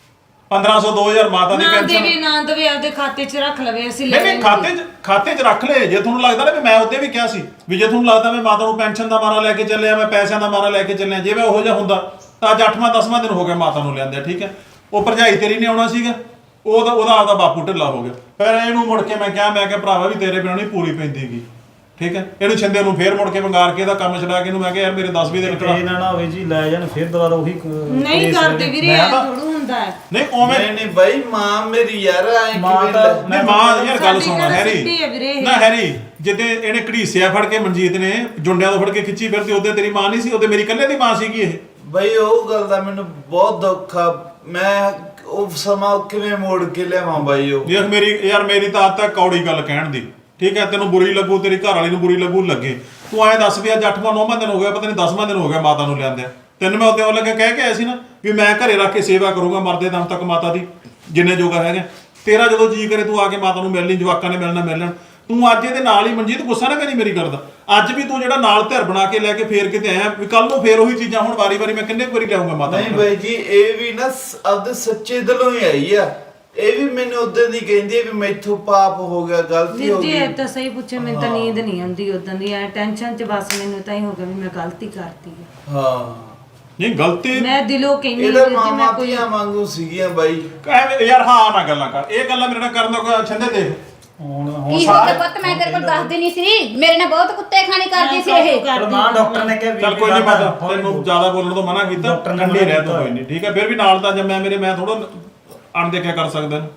ਪੰਦਰਾਂ ਸੌ ਦੋ ਹਜ਼ਾਰ ਮਾਤਾ ਦੀ
ਨਾ
ਪੈਨਸ਼ਨ
ਦੇਵੇ ਨਾ ਦੇਵੇ ਆਪਦੇ ਖਾਤੇ 'ਚ ਰੱਖ ਲਵੇ ਅਸੀਂ ਲੈ
ਨਹੀਂ ਨਹੀਂ ਖਾਤੇ 'ਚ ਖਾਤੇ 'ਚ ਰੱਖ ਲੈ ਜੇ ਤੁਹਾਨੂੰ ਲੱਗਦਾ ਨਾ ਵੀ ਮੈਂ ਉਹਦੇ ਵੀ ਕਿਹਾ ਸੀ ਵੀ ਜੇ ਤੁਹਾਨੂੰ ਲੱਗਦਾ ਮੈਂ ਮਾਤਾ ਨੂੰ ਪੈਨਸ਼ਨ ਦਾ ਮਾਰਾ ਲੈ ਕੇ ਚੱਲਿਆ ਮੈਂ ਪੈਸਿਆਂ ਦਾ ਮਾਰਾ ਲੈ ਕੇ ਚੱਲਿਆ ਜੇ ਮੈਂ ਉਹੋ ਜਿਹਾ ਹੁੰਦਾ ਤਾਂ ਅੱਜ ਅੱਠਵਾਂ ਦਸਵਾਂ ਦਿਨ ਹੋ ਗਿਆ ਮਾਤਾ ਨੂੰ ਲਿਆਂਦੇ ਠੀਕ ਹੈ ਉਹ ਭਰਜਾਈ ਤੇਰੀ ਨੇ ਆਉਣਾ ਸੀਗਾ ਉਹਦਾ ਉਹਦਾ ਆਪਦਾ ਬਾਪੂ ਢਿੱਲਾ ਹੋ ਗਿਆ ਫਿਰ ਇਹਨੂੰ ਮੁੜ ਕੇ ਮੈਂ ਕਿਹਾ ਮੈਂ ਕਿਹਾ ਭਰਾਵਾ ਵੀ ਤੇਰੇ ਬਿਨਾਂ ਨਹੀਂ ਪੂਰੀ ਪੈਂਦੀਗੀ ਠੀਕ ਹੈ ਇਹਨੂੰ ਛਿੰਦੇ ਨੂੰ ਫੇਰ ਮੁੜ ਕੇ ਵੰਗਾਰ ਕੇ ਇਹਦਾ ਕੰਮ ਛਡਾ ਕੇ ਇਹਨੂੰ ਮੈਂ ਕਿਹਾ ਯਾਰ ਮੇਰੇ ਦਸ ਵੀਹ ਦਿਨ ਕਰਾ
ਇਹ ਨਾ ਨਾ ਹੋਵੇ ਜੀ ਲੈ ਜਾਣ ਫਿਰ ਦੁਬਾਰਾ ਉਹੀ ਕ-
ਨਹੀਂ
ਕੇਸ
ਕਰਦੇ ਵੀਰੇ
ਮੈਂ
ਇਹ
ਤਾਂ-
ਥੋੜੂ ਹੁੰਦਾ ਹੈ
ਨਹੀਂ ਉਵੇਂ
ਨਹੀਂ ਨਹੀਂ ਬਾਈ ਮਾਂ ਮੇਰੀ ਯਾਰ ਐ
ਮਾਂ
ਕਿਵੇਂ
ਤਾਂ-
ਲੈ-
ਨਹੀਂ ਮਾਂ ਯਾਰ ਗੱਲ
ਸਾਡੀ
ਸੁਣ
ਗੱਲ
ਹੈਰੀ
ਸਿੱਧੀ ਹੈ ਵੀਰੇ ਇਹ।
ਨਾ ਹੈਰੀ ਜਿੱਦੇ ਇਹਨੇ ਘੜੀਸਿਆ ਫੜ ਕੇ ਮਨਜੀਤ ਨੇ ਜੁੰਡਿਆਂ ਤੋਂ ਫੜ ਕੇ ਖਿੱਚੀ ਫਿਰਦੀ ਉਹਦੇ ਤੇਰੀ ਮਾਂ ਨਹੀਂ ਸੀ ਉਹਦੇ ਮੇਰੀ ਇਕੱਲੇ ਦੀ ਮਾਂ ਸੀਗੀ ਇਹ
ਬਾਈ ਉਹ ਗੱਲ ਦਾ ਮੈਨੂੰ ਬਹੁਤ ਦੁੱਖ ਆ ਮੈਂ ਉਹ ਸਮਾਂ ਕਿਵੇਂ ਮੋੜ ਕੇ ਲਿਆਵਾਂ ਬਾਈ ਉਹ
ਦੇਖ ਮੇਰੀ ਯਾਰ ਮੇਰੀ ਤਾਂ ਆਦਤ ਹੈ ਕੌੜੀ ਗੱਲ ਕਹਿਣ ਦੀ ਠੀਕ ਹੈ ਤੈਨੂੰ ਬੁਰੀ ਲੱਗੂ ਤੇਰੀ ਘਰ ਵਾਲੀ ਨੂੰ ਬੁਰੀ ਲੱਗੂ ਲੱਗੇ ਤੂੰ ਐਂ ਦੱਸ ਵੀ ਅੱਜ ਅੱਠਵਾਂ ਨੌਵਾਂ ਦਿਨ ਹੋ ਗਿਆ ਪਤਾ ਨਹੀਂ ਦਸਵਾਂ ਦਿਨ ਹੋ ਗਿਆ ਮਾਤਾ ਨੂੰ ਲਿਆਂਦਿਆਂ ਤੈਨੂੰ ਮੈਂ ਉੱਤੇ ਉਹ ਲੱਗੇ ਕਹਿ ਕੇ ਆਇਆ ਸੀ ਨਾ ਵੀ ਮੈਂ ਘਰੇ ਰੱਖ ਕੇ ਸੇਵਾ ਕਰੂੰਗਾ ਮਰਦੇ ਦਮ ਤੱਕ ਮਾਤਾ ਦੀ ਜਿੰਨੇ ਜੋਗਾ ਹੈਗਾ ਤੇਰਾ ਜਦੋਂ ਜੀ ਕਰੇ ਤੂੰ ਆ ਕੇ ਮਾਤਾ ਨੂੰ ਮਿਲ ਲਈ ਜਵਾਕਾਂ ਨੇ ਮਿਲਣਾ ਮਿਲ ਲੈਣ ਤੂੰ ਅੱਜ ਇਹਦੇ ਨਾਲ ਹੀ ਮਨਜੀਤ ਗੁੱਸਾ ਨਾ ਕਰੀ ਮੇਰੀ ਗੱਲ ਦਾ ਅੱਜ ਵੀ ਤੂੰ ਜਿਹੜਾ ਨਾਲ ਧਿਰ ਬਣਾ ਕੇ ਲੈ ਕੇ ਫੇਰ ਕਿਤੇ ਆਇਆ ਵੀ ਕੱਲ ਨੂੰ ਫੇਰ ਉਹੀ ਚੀਜ਼ਾਂ ਹੁਣ ਵਾਰੀ ਵਾਰੀ ਮੈਂ ਕਿੰਨੇ ਕੁ ਵਾਰੀ ਲਿਆਉਂਗਾ ਮਾਤਾ
ਨਹੀਂ
ਨੂੰ
ਬਾਈ ਜੀ ਇਹ ਵੀ ਨਾ ਸ- ਆਪਦੇ ਸੱਚੇ ਦਿਲੋਂ ਹੀ ਆਈ ਆ ਇਹ ਵੀ ਮੈਨੂੰ ਉਦੋਂ ਦੀ ਕਹਿੰਦੀ ਹੈ ਵੀ ਮੈਥੋਂ ਪਾਪ ਹੋ ਗਿਆ ਗਲਤੀ ਹੋ
ਵੀਰ ਜੀ
ਗਈ
ਇਹ ਤਾਂ ਸਹੀ ਪੁੱਛੇ ਮੈਨੂੰ ਤਾਂ ਨੀਂਦ ਨਹੀਂ ਆਉਂਦੀ ਉਦੋਂ ਦੀ ਐ ਟੈਨਸ਼ਨ 'ਚ ਬਸ ਮੈਨੂੰ ਤਾਂ ਹੀ ਹੋ ਗਿਆ ਵੀ ਮੈਂ ਗਲਤੀ ਕਰਤੀ ਹੈ
ਹਾਂ
ਨਹੀਂ ਗਲਤੀ
ਮੈਂ ਦਿਲੋਂ ਕਹਿੰਦੀ
ਇਹਦਾ
ਵੀਰ ਜੀ ਮੈਂ
ਮਾਮਾ
ਕੋਈ
ਧੀਆਂ ਵਾਂਗੂ ਸੀਗੀਆਂ ਬਾਈ
ਐਵੇਂ ਯਾਰ ਹਾਂ ਨਾ ਗੱਲਾਂ ਕਰ ਇਹ ਗੱਲਾਂ ਮੇਰੇ ਨਾਲ ਕਰਨ ਦਾ ਕੋਈ ਛੰਦੇ ਦੇਖ
ਹੁਣ ਹੁਣ
ਕੀ ਹੋ ਗਿਆ ਪੁੱਤ ਮੈਂ ਤੇਰੇ ਕੋਲ ਦੱਸਦੀ ਨਹੀਂ ਸੀ ਮੇਰੇ ਨਾਲ ਬਹੁਤ ਕੁੱਤੇ ਖਾਣੀ ਕਰਦੀ ਸੀ ਇਹ
ਪਰ ਮਾਂ ਡਾਕਟਰ ਨੇ ਕਿਹਾ ਵੀ
ਚੱਲ ਕੋਈ ਨਹੀਂ
ਬਾਬਾ,
ਮਾਤਾ ਤੈਨੂੰ ਜ਼ਿਆਦਾ ਬੋਲਣ ਤੋਂ ਮਨਾ ਕੀਤਾ
ਡਾਕਟਰ ਨੇ
ਠੰਡੀ
ਮਨਾ
ਰਹਿ ਤੂੰ
ਕੀਤਾ।
ਕੋਈ ਨਹੀਂ ਠੀਕ ਹੈ ਫਿਰ ਵੀ ਨਾਲ ਤਾਂ ਜੰਮਿਆ ਮੇਰੇ ਮੈਂ ਥੋੜਾ ਅਣਦੇਖਿਆ ਕਰ ਸਕਦਾ ਇਹਨੂੰ।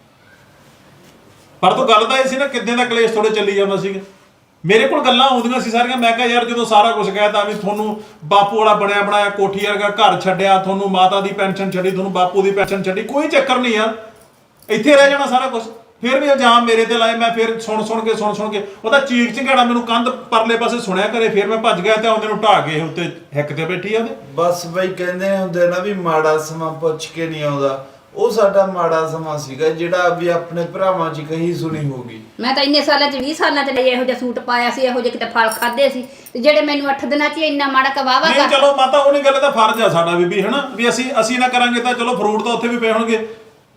ਪਰ ਤੂੰ ਗੱਲ ਤਾਂ ਇਹ ਸੀ ਨਾ ਕਿੱਦਾਂ ਦਾ ਕਲੇਸ਼ ਥੋੜੇ ਚੱਲੀ ਜਾਂਦਾ ਸੀਗਾ ਮੇਰੇ ਕੋਲ ਗੱਲਾਂ ਆਉਂਦੀਆਂ ਸੀ ਸਾਰੀਆਂ ਮੈਂ ਕਿਹਾ ਯਾਰ ਜਦੋਂ ਸਾਰਾ ਕੁਝ ਕਹਿਤਾ ਵੀ ਤੁਹਾਨੂੰ ਬਾਪੂ ਵਾਲਾ ਬਣਿਆ ਬਣਾਇਆ ਕੋਠੀ ਵਰਗਾ ਘਰ ਛੱਡਿਆ ਤੁਹਾਨੂੰ ਮਾਤਾ ਦੀ ਪੈਨਸ਼ਨ ਛੱਡੀ ਤੁਹਾਨੂੰ ਬਾਪੂ ਦੀ ਪੈਨਸ਼ਨ ਛੱਡੀ ਕੋਈ ਚੱਕਰ ਨਹੀਂ ਯਾਰ ਇੱਥੇ ਰਹਿ ਜਾਣਾ ਸਾਰਾ ਕੁਝ ਫਿਰ ਵੀ ਇਲਜ਼ਾਮ ਮੇਰੇ ਤੇ ਲਾਏ ਮੈਂ ਫਿਰ ਸੁਣ ਸੁਣ ਕੇ ਸੁਣ ਸੁਣ ਕੇ ਉਹਦਾ ਚੀਕ ਚਿੰਗਾੜਾ ਮੈਨੂੰ ਕੰਧ ਪਰਲੇ ਪਾਸੇ ਸੁਣਿਆ ਕਰੇ ਫਿਰ ਮੈਂ ਭੱਜ ਗਿਆ ਤੇ ਉਹਦੇ ਨੂੰ ਢਾਹ ਕੇ ਉੱਤੇ ਹਿੱਕ ਤੇ ਬੈਠੀ ਆ ਉਹਦੇ
ਬਸ ਬਾਈ ਕਹਿੰਦੇ ਹੁੰਦੇ ਨਾ ਵੀ ਮਾੜਾ ਸਮਾਂ ਪੁੱਛ ਕੇ ਨਹੀਂ ਆਉਂਦਾ ਉਹ ਸਾਡਾ ਮਾੜਾ ਸਮਾਂ ਸੀਗਾ ਜਿਹੜਾ ਵੀ ਆਪਣੇ ਭਰਾਵਾਂ 'ਚ ਕਹੀ ਸੁਣੀ ਹੋਗੀ
ਮੈਂ ਤਾਂ ਇੰਨੇ ਸਾਲਾਂ ਚ ਵੀਹ ਸਾਲਾਂ ਚ ਲਈ ਇਹੋ ਜਿਹਾ ਸੂਟ ਪਾਇਆ ਸੀ ਇਹੋ ਜਿਹੇ ਕਿਤੇ ਫਲ ਖਾਦੇ ਸੀ ਤੇ ਜਿਹੜੇ ਮੈਨੂੰ ਅੱਠ ਦਿਨਾਂ ਚ ਹੀ ਇੰਨਾ ਮਾੜਾ ਕਵਾਵਾ
ਨਹੀਂ
ਕਰ
ਚਲੋ ਮਾਤਾ ਉਹਨੇ ਗੱਲ ਦਾ ਫਰਜ਼ ਆ ਸਾਡਾ ਬੀਬੀ ਹਨਾ ਵੀ ਅਸੀਂ ਅਸੀਂ ਨਾ ਕਰਾਂਗੇ ਤਾਂ ਚਲੋ ਫਰੂਟ ਤਾਂ ਉੱਥੇ ਵੀ ਪਏ ਹੋਣਗੇ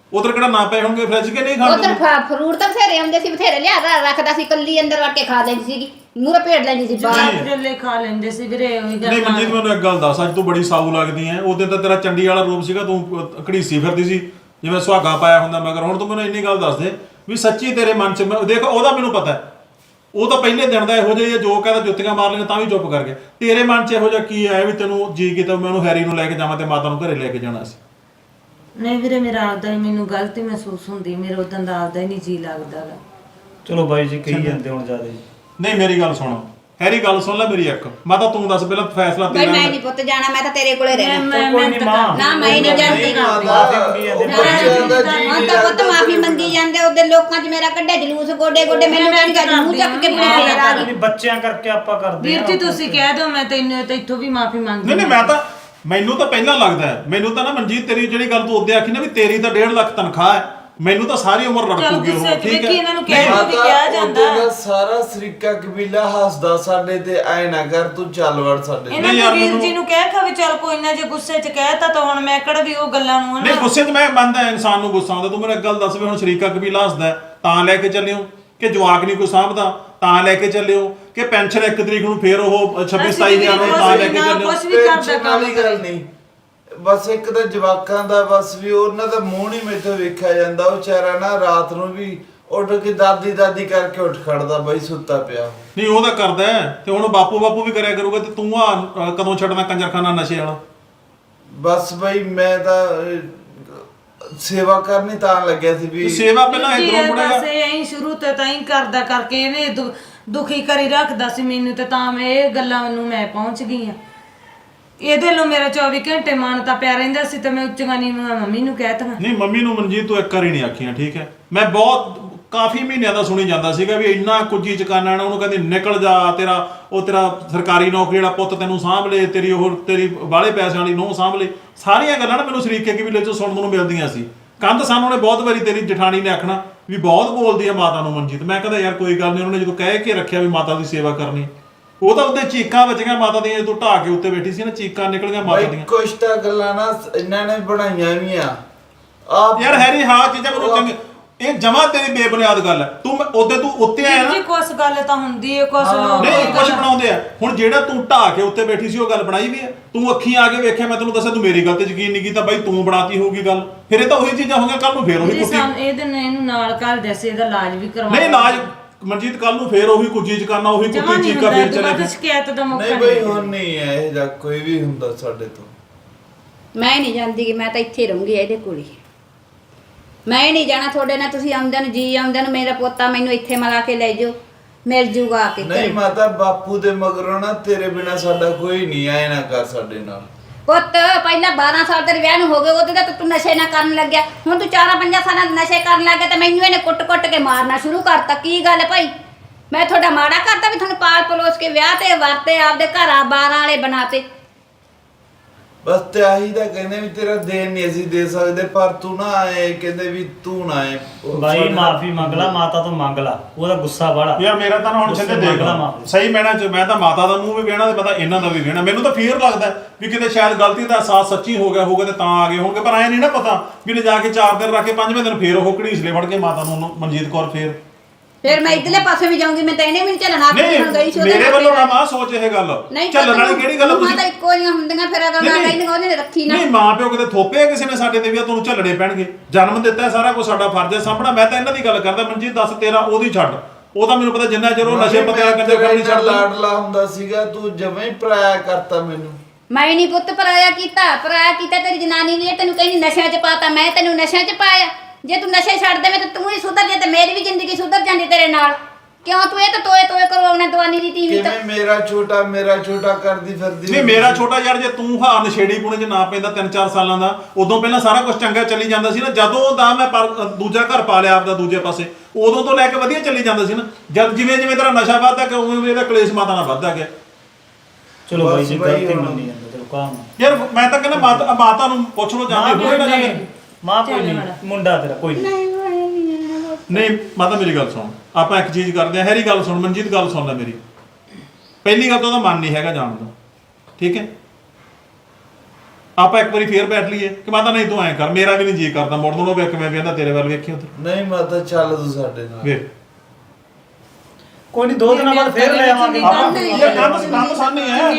ਉਧਰ ਕਿਹੜਾ ਨਾ ਪਏ ਹੋਣਗੇ ਫ੍ਰਿਜ ਕੇ ਨਹੀਂ ਖਾਂਦੇ
ਉਧਰ ਫਰੂਟ ਤਾਂ ਬਥੇਰੇ ਆਉਂਦੇ ਸੀ, ਬਥੇਰੇ ਲਿਆ ਰ- ਰੱਖਦਾ ਸੀ, ਕੱਲੀ ਅੰਦਰ ਵੜ ਕੇ ਖਾ ਲੈਂਦੀ ਸੀਗੀ, ਮੂਹਰੇ ਭੇੜ ਲੈਂਦੀ ਸੀ ਬਾਹਰ।
ਜੱਲੇ ਖਾ ਲੈਂਦੇ ਸੀ ਵੀਰੇ ਉਹੀ
ਨਹੀਂ
ਗੱਲ
ਮਨਜੀਤ ਮੈਨੂੰ ਇੱਕ ਗੱਲ ਦੱਸ, ਅੱਜ ਤੂੰ ਬੜੀ ਸਾਊ ਲੱਗਦੀ ਐ। ਉਹਦੇ ਤਾਂ ਤੇਰਾ ਚੰਡੀ ਵਾਲਾ ਰੂਪ ਸੀਗਾ, ਤੂੰ ਅਹ, ਘੜੀਸੀ ਫਿਰਦੀ ਸੀ ਜਿਵੇਂ ਸੁਹਾਗਾ ਪਾਇਆ ਹੁੰਦਾ ਮਗਰ। ਹੁਣ ਤੂੰ ਮੈਨੂੰ ਇੰਨੀ ਗੱਲ ਦੱਸ ਦੇ ਵੀ ਸੱਚੀ ਤੇਰੇ ਮਨ 'ਚ ਮੈਂ- ਦੇਖ ਉਹਦਾ ਮੈਨੂੰ ਪਤਾ ਹੈ, ਉਹ ਤਾਂ ਪਹਿਲੇ ਦਿਨ ਦਾ ਇਹੋ ਜਿਹਾ ਜੋ ਕਹਿੰਦਾ ਜੁੱਤੀਆਂ ਮਾਰ ਲਈਆਂ ਤਾਂ ਵੀ ਚੁੱਪ ਕਰ ਗਿਆ। ਤੇਰੇ ਮਨ 'ਚ ਇਹੋ ਜਿਹਾ ਕੀ ਆਇਆ ਵੀ ਤੈਨੂੰ ਜੀ ਕੀਤਾ ਮੈਂ ਉਹਨੂੰ ਹੈਰੀ ਨੂੰ ਲੈ ਕੇ ਜਾਵਾਂ ਤੇ ਮਾਤਾ ਨੂੰ ਘਰੇ ਲੈ ਕੇ ਜਾਣਾ ਸੀ?
ਨਹੀਂ ਵੀਰੇ ਮੇਰਾ ਆਪਦਾ ਹੀ ਮੈਨੂੰ ਗਲਤੀ ਮਹਿਸੂਸ ਹੁੰਦੀ, ਮੇਰੇ ਉਦੋਂ ਦਾ ਆਪਦਾ ਹੀ ਨਹੀਂ ਜੀ ਲੱਗਦਾ ਗਾ।
ਚਲੋ ਬਾਈ ਜੀ ਕਹੀ ਜਾਂਦੇ ਹੁਣ ਜ਼ਿਆਦਾ ਜੀ।
ਨਹੀਂ ਮੇਰੀ ਗੱਲ ਸੁਣ ਹੈਰੀ, ਗੱਲ ਸੁਣ ਲੈ ਮੇਰੀ ਇੱਕ। ਮਾਤਾ ਤੂੰ ਦੱਸ ਪਹਿਲਾਂ ਫੈਸਲਾ
ਬਈ
ਤੇਰਾ।
ਮੈਂ ਨਹੀਂ ਪੁੱਤ ਜਾਣਾ, ਮੈਂ ਤਾਂ ਤੇਰੇ ਕੋਲੇ ਰਹਿਣਾ।
ਮੈਂ
ਕੋਈ
ਮੈਂ
ਨੀ
ਤਾਂ
ਮਾਂ।
ਨਾ ਮੈਂ ਨਹੀਂ ਜਾਂਦੀ ਨਾ।
ਮਾਫੀ ਮੰਗੀ ਜਾਂਦੇ
ਉਹ ਬੱਚਿਆਂ ਦਾ ਜੀ
ਹੁਣ ਤਾਂ ਪੁੱਤ ਮਾਫੀ ਮੰਗੀ ਜਾਂਦੇ, ਉਹਦੇ ਲੋਕਾਂ 'ਚ ਮੇਰਾ ਕੱਢਿਆ ਜਲੂਸ ਗੋਡੇ ਗੋਡੇ, ਮੈਨੂੰ ਕਹਿੰਦੀ ਗੱਲ ਮੂੰਹ ਚੱਕ ਕੇ ਬੁਲਾ ਫੇਰ ਆ ਗਈ।
ਨਹੀਂ ਬੱਚਿਆਂ ਕਰਕੇ ਆਪਾਂ ਕਰਦੇ
ਵੀਰ
ਆ
ਜੀ ਤੁਸੀਂ ਕਹਿ ਦਿਓ, ਮੈਂ ਤੈਨੂੰ ਤੇ ਇੱਥੋਂ ਵੀ ਮਾਫੀ ਮੰਗਦੀ।
ਨਹੀਂ ਨਹੀਂ ਮੈਂ ਤਾਂ ਮੈਨੂੰ ਤਾਂ ਪਹਿਲਾਂ ਲੱਗਦਾ ਹੈ, ਮੈਨੂੰ ਤਾਂ ਨਾ ਮਨਜੀਤ ਤੇਰੀ ਜਿਹੜੀ ਗੱਲ ਤੂੰ ਉਹਦੇ ਆਖੀ ਨਾ ਵੀ ਤੇਰੀ ਤਾਂ ਡੇਢ ਲੱਖ ਤਨਖਾਹ ਹੈ, ਮੈਨੂੰ ਤਾਂ ਸਾਰੀ ਉਮਰ ਰੜਕੂਗੀ ਉਹ। ਠੀਕ
ਵੇਖੀ
ਹੈ
ਇਹਨਾਂ ਨੂੰ ਕਹਿ ਦਿਓ ਵੀ ਕਿਹਾ ਜਾਂਦਾ।
ਉਹਦਾ ਸਾਰਾ ਸਰੀਕਾ ਕਬੀਲਾ ਹੱਸਦਾ ਸਾਡੇ ਤੇ, ਐ ਨਾ ਕਰ ਤੂੰ ਚੱਲ ਵੜ ਸਾਡੇ
ਇਹਨਾਂ
ਨਹੀਂ ਯਾਰ,
ਨੂੰ ਵੀਰ
ਮੈਨੂੰ-
ਜੀ ਨੂੰ ਕਹਿ ਖਾ ਵੀ ਚੱਲ ਕੋਈ ਨਾ, ਜੇ ਗੁੱਸੇ 'ਚ ਕਹਿਤਾ ਤਾਂ ਹੁਣ ਮੈਂ ਕਿਹੜਾ ਵੀ ਉਹ ਗੱਲਾਂ ਨੂੰ
ਨਹੀਂ
ਹਨਾ।
ਗੁੱਸੇ 'ਚ ਮੈਂ ਮੰਨਦਾ ਇਨਸਾਨ ਨੂੰ ਗੁੱਸਾ ਆਉਂਦਾ। ਤੂੰ ਮੈਨੂੰ ਇੱਕ ਗੱਲ ਦੱਸ ਵੀ ਹੁਣ ਸ਼ਰੀਕਾ ਕਬੀਲਾ ਹੱਸਦਾ ਹੈ, ਤਾਂ ਲੈ ਕੇ ਚੱਲਿਓ ਕਿ ਜਵਾਕ ਨਹੀਂ ਕੋਈ ਸਾਂਭਦਾ ਤਾਂ ਲੈ ਕੇ ਚੱਲਿਓ ਕਿ ਪੈਨਸ਼ਨ ਇੱਕ ਤਰੀਕ ਨੂੰ ਫੇਰ ਉਹ ਛੱਬੀ ਸਤਾਈ ਹਜ਼ਾਰ ਨੂੰ ਤਾਂ ਲੈ ਕੇ ਚੱਲਿਓ?
ਕੁਛ ਵੀ ਕਰਦਾ
ਟੈਨਸ਼ਨ ਵਾਲੀ ਗੱਲ ਨਹੀਂ, ਬਸ ਇੱਕ ਤਾਂ ਜਵਾਕਾਂ ਦਾ ਬਸ ਵੀ ਉਹਨਾਂ ਦਾ ਮੂੰਹ ਨਹੀਂ ਮੈਥੋਂ ਵੇਖਿਆ ਜਾਂਦਾ। ਉਹ ਵਿਚਾਰਾ ਨਾ ਰਾਤ ਨੂੰ ਵੀ ਉੱਠ ਕੇ ਦਾਦੀ ਦਾਦੀ ਕਰਕੇ ਉੱਠ ਖੜਦਾ ਬਈ ਸੁੱਤਾ ਪਿਆ।
ਨਹੀਂ ਉਹ ਤਾਂ ਕਰਦਾ ਹੈ, ਤੇ ਹੁਣ ਬਾਪੂ ਬਾਪੂ ਵੀ ਕਰਿਆ ਕਰੂਗਾ, ਤੇ ਤੂੰ ਆ ਅ, ਕਦੋਂ ਛੱਡਣਾ ਕੰਜਰਖਾਨਾ ਨਸ਼ੇ ਵਾਲਾ?
ਬਸ ਬਈ ਮੈਂ ਤਾਂ ਅਹ, ਸੇਵਾ ਕਰਨੀ ਤਾਂ ਲੱਗਿਆ ਸੀ ਵੀ
ਤੇ ਸੇਵਾ ਪਹਿਲਾਂ
ਜੀ,
ਇਧਰੋਂ
ਇਹ
ਮੁੜੇਗਾ।
ਬਸ ਇਹ ਐਂ ਸ਼ੁਰੂ ਤੋਂ ਤਾਂ ਹੀ ਕਰਦਾ ਕਰਕੇ ਇਹਨੇ ਦੁ- ਦੁਖੀ ਕਰੀ ਰੱਖਦਾ ਸੀ ਮੈਨੂੰ, ਤੇ ਤਾਂ ਮੈਂ ਇਹ ਗੱਲਾਂ ਨੂੰ ਮੈਂ ਪਹੁੰਚ ਗਈ ਆ। ਇਹਦੇ ਲੋ ਮੇਰਾ ਚੌਵੀ ਘੰਟੇ ਮਨ ਤਾਂ ਪਿਆ ਰਹਿੰਦਾ ਸੀ, ਤੇ ਮੈਂ ਉੱਚੀਆਂ ਨੀਵੀਆਂ ਮੰਮੀ ਨੂੰ ਕਹਿ ਤਾ।
ਨਹੀਂ ਮੰਮੀ ਨੂੰ ਮਨਜੀਤ ਤੂੰ ਇੱਕ ਵਾਰੀ ਨਹੀਂ ਆਖੀਆਂ, ਠੀਕ ਹੈ? ਮੈਂ ਬਹੁਤ ਕਾਫੀ ਮਹੀਨਿਆਂ ਦਾ ਸੁਣੀ ਜਾਂਦਾ ਸੀਗਾ ਵੀ ਇੰਨਾ ਕੁੱਜੀ ਚਕਾਨਾ ਨਾ, ਉਹਨੂੰ ਕਹਿੰਦੇ ਨਿਕਲ ਜਾ, ਤੇਰਾ ਉਹ ਤੇਰਾ ਸਰਕਾਰੀ ਨੌਕਰੀ ਵਾਲਾ ਪੁੱਤ ਤੈਨੂੰ ਸਾਂਭ ਲੇ, ਤੇਰੀ ਉਹ ਤੇਰੀ ਬਾਹਲੇ ਪੈਸਿਆਂ ਵਾਲੀ ਨੂੰਹ ਸਾਂਭ ਲੇ। ਸਾਰੀਆਂ ਗੱਲਾਂ ਨਾ ਮੈਨੂੰ ਸ਼ਰੀਕੇ ਕਬੀਲੇ ਚੋਂ ਸੁਣਨ ਨੂੰ ਮਿਲਦੀਆਂ ਸੀ। ਕੰਧ ਸਾਨੂੰ ਨੇ ਬਹੁਤ ਵਾਰੀ ਤੇਰੀ ਜਠਾਣੀ ਨੇ ਆਖਣਾ ਵੀ ਬਹੁਤ ਬੋਲਦੀ ਆ ਮਾਤਾ ਨੂੰ ਮਨਜੀਤ। ਮੈਂ ਕਹਿੰਦਾ ਯਾਰ ਕੋਈ ਗੱਲ ਨਹੀਂ, ਉਹਨੇ ਜਦੋਂ ਕਹਿ ਕੇ ਰੱਖਿਆ ਵੀ ਮਾਤਾ ਦੀ ਸੇਵਾ ਕਰਨੀ, ਉਹ ਤਾਂ ਉਹਦੇ ਚੀਕਾਂ ਵੱਜੀਆਂ ਮਾਤਾ ਦੀਆਂ, ਜਦੋਂ ਢਾਹ ਕੇ ਉੱਤੇ ਬੈਠੀ ਸੀ ਨਾ, ਚੀਕਾਂ ਨਿਕਲੀਆਂ ਮਾਤਾ
ਬਈ
ਦੀਆਂ।
ਕੁਛ ਤਾਂ ਗੱਲਾਂ ਨਾ ਇਹਨਾਂ ਨੇ ਬਣਾਈਆਂ ਵੀ ਆ ਆਪ
ਯਾਰ ਹੈਰੀ ਹਾਂ ਚੀਜ਼ਾਂ ਮੈਨੂੰ ਚੰਗੀ, ਇਹ ਜਮਾ ਤੇਰੀ ਬੇਬੁਨਿਆਦ ਗੱਲ ਹੈ। ਤੂੰ ਉਹਦੇ ਤੂੰ ਉੱਤੇ ਆਇਆ
ਜੀ
ਨਾ,
ਕੁਛ ਗੱਲ ਤਾਂ ਹੁੰਦੀ ਏ, ਕੁਛ ਲੋਕ
ਨਹੀਂ ਕੁਝ ਬਣਾਉਂਦੇ ਆ। ਹੁਣ ਜਿਹੜਾ ਤੂੰ ਢਾਹ ਕੇ ਉੱਤੇ ਬੈਠੀ ਸੀ ਉਹ ਗੱਲ ਬਣਾਈ ਵੀ ਹੈ? ਤੂੰ ਅੱਖੀਂ ਆ ਕੇ ਵੇਖਿਆ, ਮੈਂ ਤੈਨੂੰ ਦੱਸਿਆ ਤੂੰ ਮੇਰੀ ਗੱਲ ਤੇ ਯਕੀਨ ਨਹੀਂ ਕੀਤਾ, ਬਾਈ ਤੂੰ ਬਣਾਤੀ ਹੋਊਗੀ ਗੱਲ। ਫਿਰ ਇਹ ਤਾਂ ਉਹੀ ਚੀਜ਼ਾਂ ਹੋ ਗਈਆਂ, ਕੱਲ ਨੂੰ ਫੇਰ ਉਹੀ
ਜੀ
ਕੁੱਤੀ।
ਸਾਨੂੰ ਇਹਦੇ ਨੇ ਇਹਨੂੰ ਨਾਲ ਕਰ ਦੇਸੇ, ਇਹਦਾ ਇਲਾਜ ਵੀ ਕਰਵਾ।
ਨਹੀਂ ਇਲਾਜ ਮਨਜੀਤ ਕੱਲ ਨੂੰ ਫੇਰ ਉਹੀ ਕੁੱਜੀ ਚ ਕਰਨਾ, ਉਹੀ
ਜਮਾ
ਕੁੱਤੀ
ਨਹੀਂ
ਚੀਕਾ
ਹੁੰਦਾ,
ਫੇਰ
ਦੁਬਾਰਾ
ਚਲੇ
ਸ਼ਿਕਾਇਤ ਦਾ ਮੌਕਾ
ਨਹੀਂ ਬਈ ਹੁਣ ਨਹੀਂ ਹੈ ਇਹ ਜਾਂ ਕੋਈ ਵੀ ਹੁੰਦਾ ਸਾਡੇ ਤੋਂ।
ਮੈਂ ਨਹੀਂ ਜਾਂਦੀ ਕਿ ਮੈਂ ਤਾਂ ਇੱਥੇ ਹੀ ਰਹੂੰਗੀ ਇਹਦੇ ਕੋਲ ਹੀ। ਮੈਂ ਹੀ ਨਹੀਂ ਜਾਣਾ ਤੁਹਾਡੇ ਨਾਲ। ਤੁਸੀਂ ਆਉਂਦੇ ਨੂੰ ਜੀ ਆਉਂਦੇ ਨੂੰ ਮੇਰਾ ਪੋਤਾ ਮੈਨੂੰ ਇੱਥੇ ਮਿਲਾ ਕੇ ਲੈ ਜਾਓ, ਮਿਲ ਜੂਗਾ ਆ ਕੇ
ਨਹੀਂ
ਘਰੇ।
ਮਾਤਾ ਬਾਪੂ ਦੇ ਮਗਰੋਂ ਨਾ ਤੇਰੇ ਬਿਨਾ ਸਾਡਾ ਕੋਈ ਨਹੀਂ ਆਏ ਨਾ ਕਰ ਸਾਡੇ ਨਾਲ।
ਪੁੱਤ ਪਹਿਲਾਂ ਬਾਰਾਂ ਸਾਲ ਤੇਰੇ ਵਿਆਹ ਨੂੰ ਹੋ ਗਏ, ਉਹਦੇ ਤਾਂ ਤੂੰ ਨਸ਼ੇ ਨਾ ਕਰਨ ਲੱਗਿਆ। ਹੁਣ ਤੂੰ ਚਾਰਾਂ ਪੰਜਾਂ ਸਾਲਾਂ ਦੇ ਨਸ਼ੇ ਕਰਨ ਲੱਗ ਗਿਆ ਤੇ ਮੈਨੂੰ ਇਹਨੇ ਕੁੱਟ-ਕੁੱਟ ਕੇ ਮਾਰਨਾ ਸ਼ੁਰੂ ਕਰਤਾ। ਕੀ ਗੱਲ ਭਾਈ, ਮੈਂ ਤੁਹਾਡਾ ਮਾੜਾ ਕਰਤਾ ਵੀ ਤੁਹਾਨੂੰ ਪਾਲ ਪਲੋਸ ਕੇ ਵਿਆਹ ਤੇ ਵਰਤੇ, ਆਪਦੇ ਘਰਾਂ ਬਾਰਾਂ ਵਾਲੇ ਬਣਾਤੇ?
ਬਸ ਤੇ ਆਹੀ ਤਾਂ ਕਹਿੰਦੇ ਵੀ ਤੇਰਾ ਦੇਣ ਨਹੀਂ ਅਸੀਂ ਦੇ ਸਕਦੇ, ਪਰ ਤੂੰ ਨਾ ਆਏ ਕਹਿੰਦੇ ਵੀ ਤੂੰ ਨਾ ਆਏ। ਉਹ
ਬਾਈ
ਸਾਡੇ-
ਮਾਫੀ ਮੰਗ ਲਾ, ਮਾਤਾ ਤੋਂ ਮੰਗ ਲਾ, ਉਹਦਾ ਗੁੱਸਾ ਬੜਾ।
ਯਾਰ ਮੇਰਾ ਤਾਂ ਨਾ ਹੁਣ ਛਿੰਦੇ ਦੇਖ ਲਾ, ਸਹੀ ਮੈਨਾਂ ਚ ਮੈਂ ਤਾਂ ਮਾਤਾ ਦਾ ਮੂੰਹ ਵੀ ਵੇਣਾ ਤੇ ਪਤਾ ਇਹਨਾਂ ਦਾ ਵੀ ਵੇਣਾ। ਮੈਨੂੰ ਤਾਂ ਫੀਅਰ ਲੱਗਦਾ ਵੀ ਕਿਤੇ ਸ਼ਾਇਦ ਗਲਤੀ ਦਾ ਅਹਿਸਾਸ ਸੱਚੀ ਹੋ ਗਿਆ ਹੋਊਗਾ ਤੇ ਤਾਂ ਆ ਗਏ ਹੋਣਗੇ, ਪਰ ਐ ਨਹੀਂ ਨਾ ਪਤਾ ਵੀ ਲੈ ਜਾ ਕੇ ਚਾਰ ਦਿਨ ਰੱਖ ਕੇ ਪੰਜਵੇਂ ਦਿਨ ਫੇਰ ਉਹ ਘੜੀਸਲੇ ਫੜ ਕੇ ਮਾਤਾ ਨੂੰ ਮਨਜੀਤ ਕੌਰ ਫੇਰ।
ਫਿਰ ਮੈਂ ਇਧਰਲੇ ਪਾਸੇ ਵੀ ਜਾਊਂਗੀ, ਮੈਂ ਤਾਂ ਇਹਨੇ ਵੀ ਨਹੀਂ ਚੱਲਣਾ।
ਨਹੀਂ
ਹੁਣ ਗਈ ਸੀ ਉਹਦੇ
ਮੇਰੇ
ਨਾਲ
ਵੱਲੋਂ
ਫਿਰ।
ਨਾ ਮਾਂ ਸੋਚ ਇਹ ਗੱਲ
ਨਹੀਂ
ਚੱਲਣ ਵਾਲੀ ਕਿਹੜੀ ਗੱਲ ਆ
ਤੁਸੀਂ
ਤੁਸੀਂ?
ਤਾਂ ਇੱਕੋ ਜਿਹੀਆਂ ਹੁੰਦੀਆਂ, ਫਿਰ ਅਗਰ ਮੈਂ ਕਹਿੰਦੀ ਉਹਨੇ ਰੱਖੀ ਨਾ।
ਨਹੀਂ ਮਾਂ ਪਿਓ ਕਿਤੇ ਥੋਪੇ ਕਿਸੇ ਨੇ ਸਾਡੇ ਤੇ ਵੀ ਆ, ਤੁਹਾਨੂੰ ਝੱਲਣੇ ਪੈਣਗੇ। ਜਨਮ ਦਿੱਤਾ ਹੈ, ਸਾਰਾ ਕੁਝ ਸਾਡਾ ਫਰਜ਼ ਹੈ ਸਾਂਭਣਾ। ਮੈਂ ਤਾਂ ਇਹਨਾਂ ਦੀ ਗੱਲ ਕਰਦਾ। ਮਨਜੀਤ ਦੱਸ ਤੇਰਾ ਉਹਦੀ ਛੱਡ, ਉਹ ਤਾਂ ਮੈਨੂੰ ਪਤਾ ਜਿੰਨਾ ਚਿਰ ਉਹ ਨਸ਼ੇ ਪਤੇ ਕੰਜਰ ਕਰਨੀ
ਨਹੀਂ
ਛੱਡਦਾ।
ਲਾਡਲਾ ਹੁੰਦਾ ਸੀਗਾ, ਤੂੰ ਜਮਾਂ ਹੀ ਪਰਾਇਆ ਕਰਤਾ ਮੈਨੂੰ।
ਮੈਂ ਨਹੀਂ ਪੁੱਤ ਪਰਾਇਆ ਕੀਤਾ, ਪਰਾਇਆ ਕੀਤਾ ਤੇਰੀ ਜਨਾਨੀ ਨੇ। ਤੈਨੂੰ ਕਹਿੰਦੀ ਨਸ਼ਿਆਂ 'ਚ ਪਾਤਾ, ਮੈਂ ਤੈਨੂੰ ਨਸ਼ਿਆਂ 'ਚ ਪਾਇਆ? ਜੇ ਤੂੰ ਨਸ਼ੇ ਛੱਡ ਦੇਵੇਂ ਤਾਂ ਤੂੰ ਹੀ ਸੁਧਰ ਜਾ ਤੇ ਮੇਰੀ ਵੀ ਜ਼ਿੰਦਗੀ ਸੁਧਰ ਜਾਂਦੀ ਤੇਰੇ ਨਾਲ। ਕਿਉਂ ਤੂੰ ਇਹ ਤਾਂ ਤੋਏ ਤੋਏ ਕਰਵਾਉਣਾ ਦਵਾਨੀ ਦੀ ਟੀਵੀ ਤਾਂ?
ਕਿਵੇਂ ਮੇਰਾ ਛੋਟਾ ਮੇਰਾ ਛੋਟਾ ਕਰਦੀ ਫਿਰਦੀ
ਨਹੀਂ ਮੇਰਾ ਛੋਟਾ ਯਾਰ, ਜੇ ਤੂੰ ਹਾਂ ਨਸ਼ੇੜੀ ਪੁਣੇ 'ਚ ਨਾ ਪੈਂਦਾ ਤਿੰਨ ਚਾਰ ਸਾਲਾਂ ਦਾ, ਉਦੋਂ ਪਹਿਲਾਂ ਸਾਰਾ ਕੁਝ ਚੰਗਾ ਚੱਲੀ ਜਾਂਦਾ ਸੀ ਨਾ। ਜਦੋਂ ਦਾ ਮੈਂ ਪਰ- ਦੂਜਾ ਘਰ ਪਾ ਲਿਆ ਆਪਦਾ ਦੂਜੇ ਪਾਸੇ, ਉਦੋਂ ਤੋਂ ਲੈ ਕੇ ਵਧੀਆ ਚੱਲੀ ਜਾਂਦਾ ਸੀ ਨਾ। ਜਦ ਜਿਵੇਂ ਜਿਵੇਂ ਤੇਰਾ ਨਸ਼ਾ ਵੱਧਦਾ ਗਿਆ ਉਵੇਂ ਉਵੇਂ ਇਹਦਾ ਕਲੇਸ਼ ਮਾਤਾ ਨਾਲ ਵੱਧਦਾ ਗਿਆ।
ਚਲੋ ਬਾਈ
ਬਸ
ਜੀ
ਬਾਈ
ਗਲਤੀ
ਹੁਣ-
ਮੰਨੀ ਜਾਂਦਾ, ਚਲੋ ਕਾਮ
ਯਾਰ ਮੈਂ ਤਾਂ ਕਹਿੰਦਾ ਮਾਤਾ ਮਾਤਾ ਨੂੰ ਪੁੱਛ ਲਓ
ਮਾਂ
ਜਾਂਦੇ ਹੋਏ ਨਾ ਜਾਂਦੇ।
ਮਾਂ ਕੋਈ ਨਹੀਂ, ਮੁੰਡਾ ਤੇਰਾ ਕੋਈ ਨਹੀਂ।
ਨਹੀਂ ਮਾਤਾ ਮੇਰੀ ਗੱਲ ਸੁਣ, ਆਪਾਂ ਇੱਕ ਚੀਜ਼ ਕਰਦੇ ਆ। ਹੈਰੀ ਗੱਲ ਸੁਣ, ਮਨਜੀਤ ਗੱਲ ਸੁਣ ਲੈ ਮੇਰੀ। ਪਹਿਲੀ ਗੱਲ ਤਾਂ ਉਹਦਾ ਮਨ ਨਹੀਂ ਹੈਗਾ ਜਾਣ ਦਾ, ਠੀਕ ਹੈ? ਆਪਾਂ ਇੱਕ ਵਾਰੀ ਫੇਰ ਬੈਠ ਲਈਏ ਕਿ ਮਾਤਾ ਨਹੀਂ ਤੂੰ ਐਂ ਕਰ, ਮੇਰਾ ਵੀ ਨਹੀਂ ਜੀ ਕਰਦਾ ਮੁੜਨ ਨੂੰ, ਵੇਖ ਮੈਂ ਵੇਂਦਾ ਤੇਰੇ ਵੱਲ ਵੇਖੀ ਉੱਧਰ
ਨਹੀਂ ਮਾਤਾ ਚੱਲ ਤੂੰ ਸਾਡੇ ਨਾਲ।
ਵੇਖ
ਕੋਈ ਨਹੀਂ, ਦੋ ਦਿਨਾਂ ਬਾਅਦ ਫੇਰ ਲੈ ਆਵਾਂਗੇ।
ਆਪਾਂ ਇਹ ਕੰਮ ਕੰਮ ਸਾਨੀ ਹੈ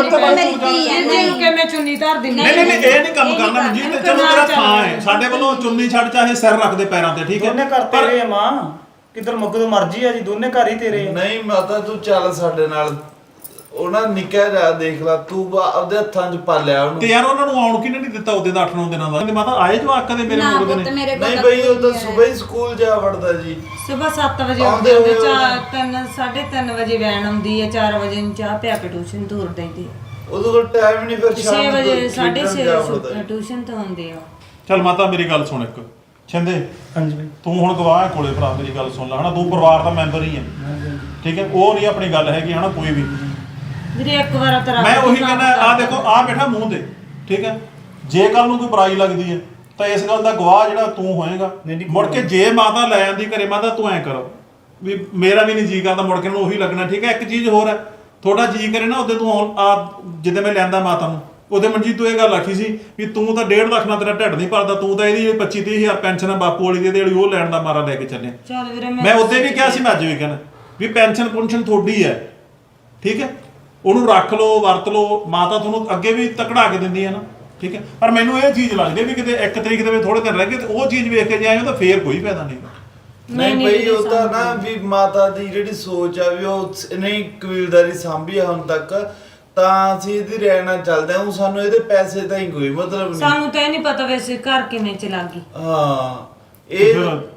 ਜਿਹਨੂੰ ਕਿ ਮੈਂ ਚੁੰਨੀ ਧਰ ਦਿੰਦੀ
ਨਹੀਂ ਨਹੀਂ ਨਹੀਂ ਇਹ ਨਹੀਂ ਕੰਮ ਕਰਨਾ ਮਨਜੀਤ, ਚਲੋ ਤੇਰਾ ਥਾਂ ਹੈ ਸਾਡੇ ਵੱਲੋਂ ਚੁੰਨੀ ਛੱਡ ਚਾਹੇ ਸਿਰ ਰੱਖ ਦੇ ਪੈਰਾਂ ਤੇ, ਠੀਕ ਹੈ।
ਦੋਨੇ ਘਰ ਤੇਰੇ ਆ ਮਾਂ, ਕਿੱਧਰ ਮੁੱਕਦੋਂ ਮਰਜੀ ਆ ਜੀ, ਦੋਨੇ ਘਰ ਹੀ ਤੇਰੇ ਆ।
ਨਹੀਂ ਮਾਤਾ ਤੂੰ ਚੱਲ ਸਾਡੇ ਨਾਲ, ਉਹਨਾਂ ਨਿੱਕਾ ਜਿਹਾ ਦੇਖ ਲਾ ਤੂੰ ਬਾ- ਆਪਦੇ ਹੱਥਾਂ 'ਚ ਪਾਲਿਆ ਉਹਨੂੰ।
ਤੇ ਯਾਰ ਉਹਨਾਂ ਨੂੰ ਆਉਣ ਕਿਹਨੇ ਨਹੀਂ ਦਿੱਤਾ ਉਹਦੇ ਦਾ ਅੱਠ ਨੌ ਦਿਨਾਂ ਦਾ, ਕਹਿੰਦੇ ਮਾਤਾ ਆਏ ਜਵਾਕ ਕਦੇ ਮੇਰੇ
ਨਾ
ਮੁੰਡੇ
ਪੁੱਤ
ਨੇ।
ਮੇਰੇ ਕੋਲ
ਨਹੀਂ ਬਈ ਉਹ ਤਾਂ ਸਵੇਰ ਹੀ ਸਕੂਲ ਜਾ ਵੜਦਾ ਜੀ।
ਸਵੇਰ ਸੱਤ ਵਜੇ
ਆਉਂਦੇ
ਆਉਂਦੇ
ਹੋਏ
ਚਾਰ ਤਿੰਨ ਸਾਢੇ ਤਿੰਨ ਵਜੇ ਵੈਨ ਆਉਂਦੀ ਹੈ, ਚਾਰ ਵਜੇ ਨੂੰ ਚਾਹ ਪਿਆ ਕੇ ਟਿਊਸ਼ਨ ਦੂਰ ਦਿੰਦੀ
ਉਹਦੇ ਕੋਲ ਟਾਈਮ ਨਹੀਂ, ਫਿਰ ਸ਼ਾਮ
ਛੇ
ਨੂੰ
ਵਜੇ ਸਾਢੇ
ਖੇਡਣ
ਛੇ
ਜਾ ਵੜਦਾ ਜੀ।
ਟਿਊਸ਼ਨ ਤੋਂ ਆਉਂਦੇ ਆ।
ਚੱਲ ਮਾਤਾ ਮੇਰੀ ਗੱਲ ਸੁਣ ਇੱਕ, ਛਿੰਦੇ
ਹਾਂਜੀ ਬਾਈ।
ਤੂੰ ਹੁਣ ਗਵਾਹ ਹੈ ਕੋਲੇ ਭਰਾ, ਮੇਰੀ ਗੱਲ ਸੁਣ ਲੈ ਹਨਾ, ਤੂੰ ਪਰਿਵਾਰ ਦਾ ਮੈਂਬਰ ਹੀ ਹੈ, ਠੀਕ ਹੈ। ਉਹ ਨਹੀਂ ਆਪਣੀ ਗੱਲ ਹੈਗੀ ਹਨਾ ਕੋਈ ਵੀ।
ਵੀਰੇ ਇੱਕ ਵਾਰ ਤੇਰਾ
ਮੈਂ ਉਹੀ ਕਹਿੰਦਾ ਆ ਦੇਖੋ ਆ ਬੈਠਾ ਮੂੰਹ ਤੇ, ਠੀਕ ਹੈ। ਜੇ ਕੱਲ ਨੂੰ ਕੋਈ ਬੁਰਾਈ ਲੱਗਦੀ ਹੈ ਤਾਂ ਇਸ ਗੱਲ ਦਾ ਗਵਾਹ ਜਿਹੜਾ ਤੂੰ ਹੋਏਗਾ। ਮੁੜ ਕੇ ਜੇ ਮਾਤਾ ਲੈ ਆਂਦੀ ਘਰੇ, ਮਾਤਾ ਤੂੰ ਐਂ ਕਰ ਵੀ ਮੇਰਾ ਵੀ ਨਹੀਂ ਜੀ ਕਰਦਾ, ਮੁੜ ਕੇ ਨੂੰ ਉਹੀ ਲੱਗਣਾ, ਠੀਕ ਹੈ। ਇੱਕ ਚੀਜ਼ ਹੋਰ ਹੈ, ਥੋੜਾ ਜੀ ਕਰੇ ਨਾ ਉਹਦੇ ਤੂੰ ਆ ਜਿੱਦੇ ਮੈਂ ਲੈਂਦਾ ਮਾਤਾ ਨੂੰ, ਉਹਦੇ ਮਨਜੀਤ ਤੂੰ ਇਹ ਗੱਲ ਆਖੀ ਸੀ ਵੀ ਤੂੰ ਤਾਂ ਡੇਢ ਲੱਖ ਨਾਲ ਤੇਰਾ ਢਿੱਡ ਨਹੀਂ ਭਰਦਾ, ਤੂੰ ਤਾਂ ਇਹਦੀ ਪੱਚੀ ਤੀਹ ਹਜ਼ਾਰ ਪੈਨਸ਼ਨ ਹੈ ਬਾਪੂ ਵਾਲੀ ਦੀ, ਇਹਦੀ ਉਹ ਲੈਣ ਦਾ ਮਾਰਾ ਲੈ ਕੇ ਚੱਲੇ।
ਚੱਲ ਵੀਰੇ
ਮੈਂ ਉੱਤੇ ਵੀ ਕਿਹਾ ਸੀ, ਮੈਂ ਅੱਜ ਵੀ ਕਹਿਣਾ ਵੀ ਪੈਨਸ਼ਨ ਪੁਨਸ਼ਨ ਤੁਹਾਡੀ ਹੈ, ਠੀਕ ਹੈ। ਉਹਨੂੰ ਰੱਖ ਲਓ, ਵਰਤ ਲਓ, ਮਾਤਾ ਤੁਹਾਨੂੰ ਅੱਗੇ ਵੀ ਤਕੜਾ ਕੇ ਦਿੰਦੀ ਹੈ ਨਾ, ਠੀਕ ਹੈ। ਪਰ ਮੈਨੂੰ ਇਹ ਚੀਜ਼ ਲੱਗਦੀ ਵੀ ਕਿਤੇ ਇੱਕ ਤਰੀਕ ਦੇ ਵਿੱਚ ਥੋੜੇ ਦਿਨ ਰਹਿ ਗਏ ਤੇ ਉਹ ਚੀਜ਼ ਵੇਖ ਕੇ ਜਾਏ ਤਾਂ ਫੇਰ ਕੋਈ ਫਾਇਦਾ ਨਹੀਂ।
ਨਹੀਂ ਬਈ ਉਹ ਤਾਂ ਨਾ ਵੀ ਮਾਤਾ ਦੀ ਜਿਹੜੀ ਸੋਚ ਆ ਵੀ ਉਹ ਨਹੀਂ ਕਬੀਲਦਾਰੀ ਸਾਂਭੀ ਆ ਹੁਣ ਤੱਕ, ਤਾਂ ਅਸੀਂ ਇਹਦੀ ਰਹਿਣਾ ਚੱਲਦੇ ਹਾਂ। ਸਾਨੂੰ ਇਹਦੇ ਪੈਸੇ ਤਾਂ ਹੀ ਕੋਈ ਮਤਲਬ ਨਹੀਂ।
ਸਾਨੂੰ ਤਾਂ ਇਹ ਨਹੀਂ ਪਤਾ ਵੈਸੇ ਘਰ ਕਿਵੇਂ ਚਲਾ ਗਈ।
ਹਾਂ ਇਹ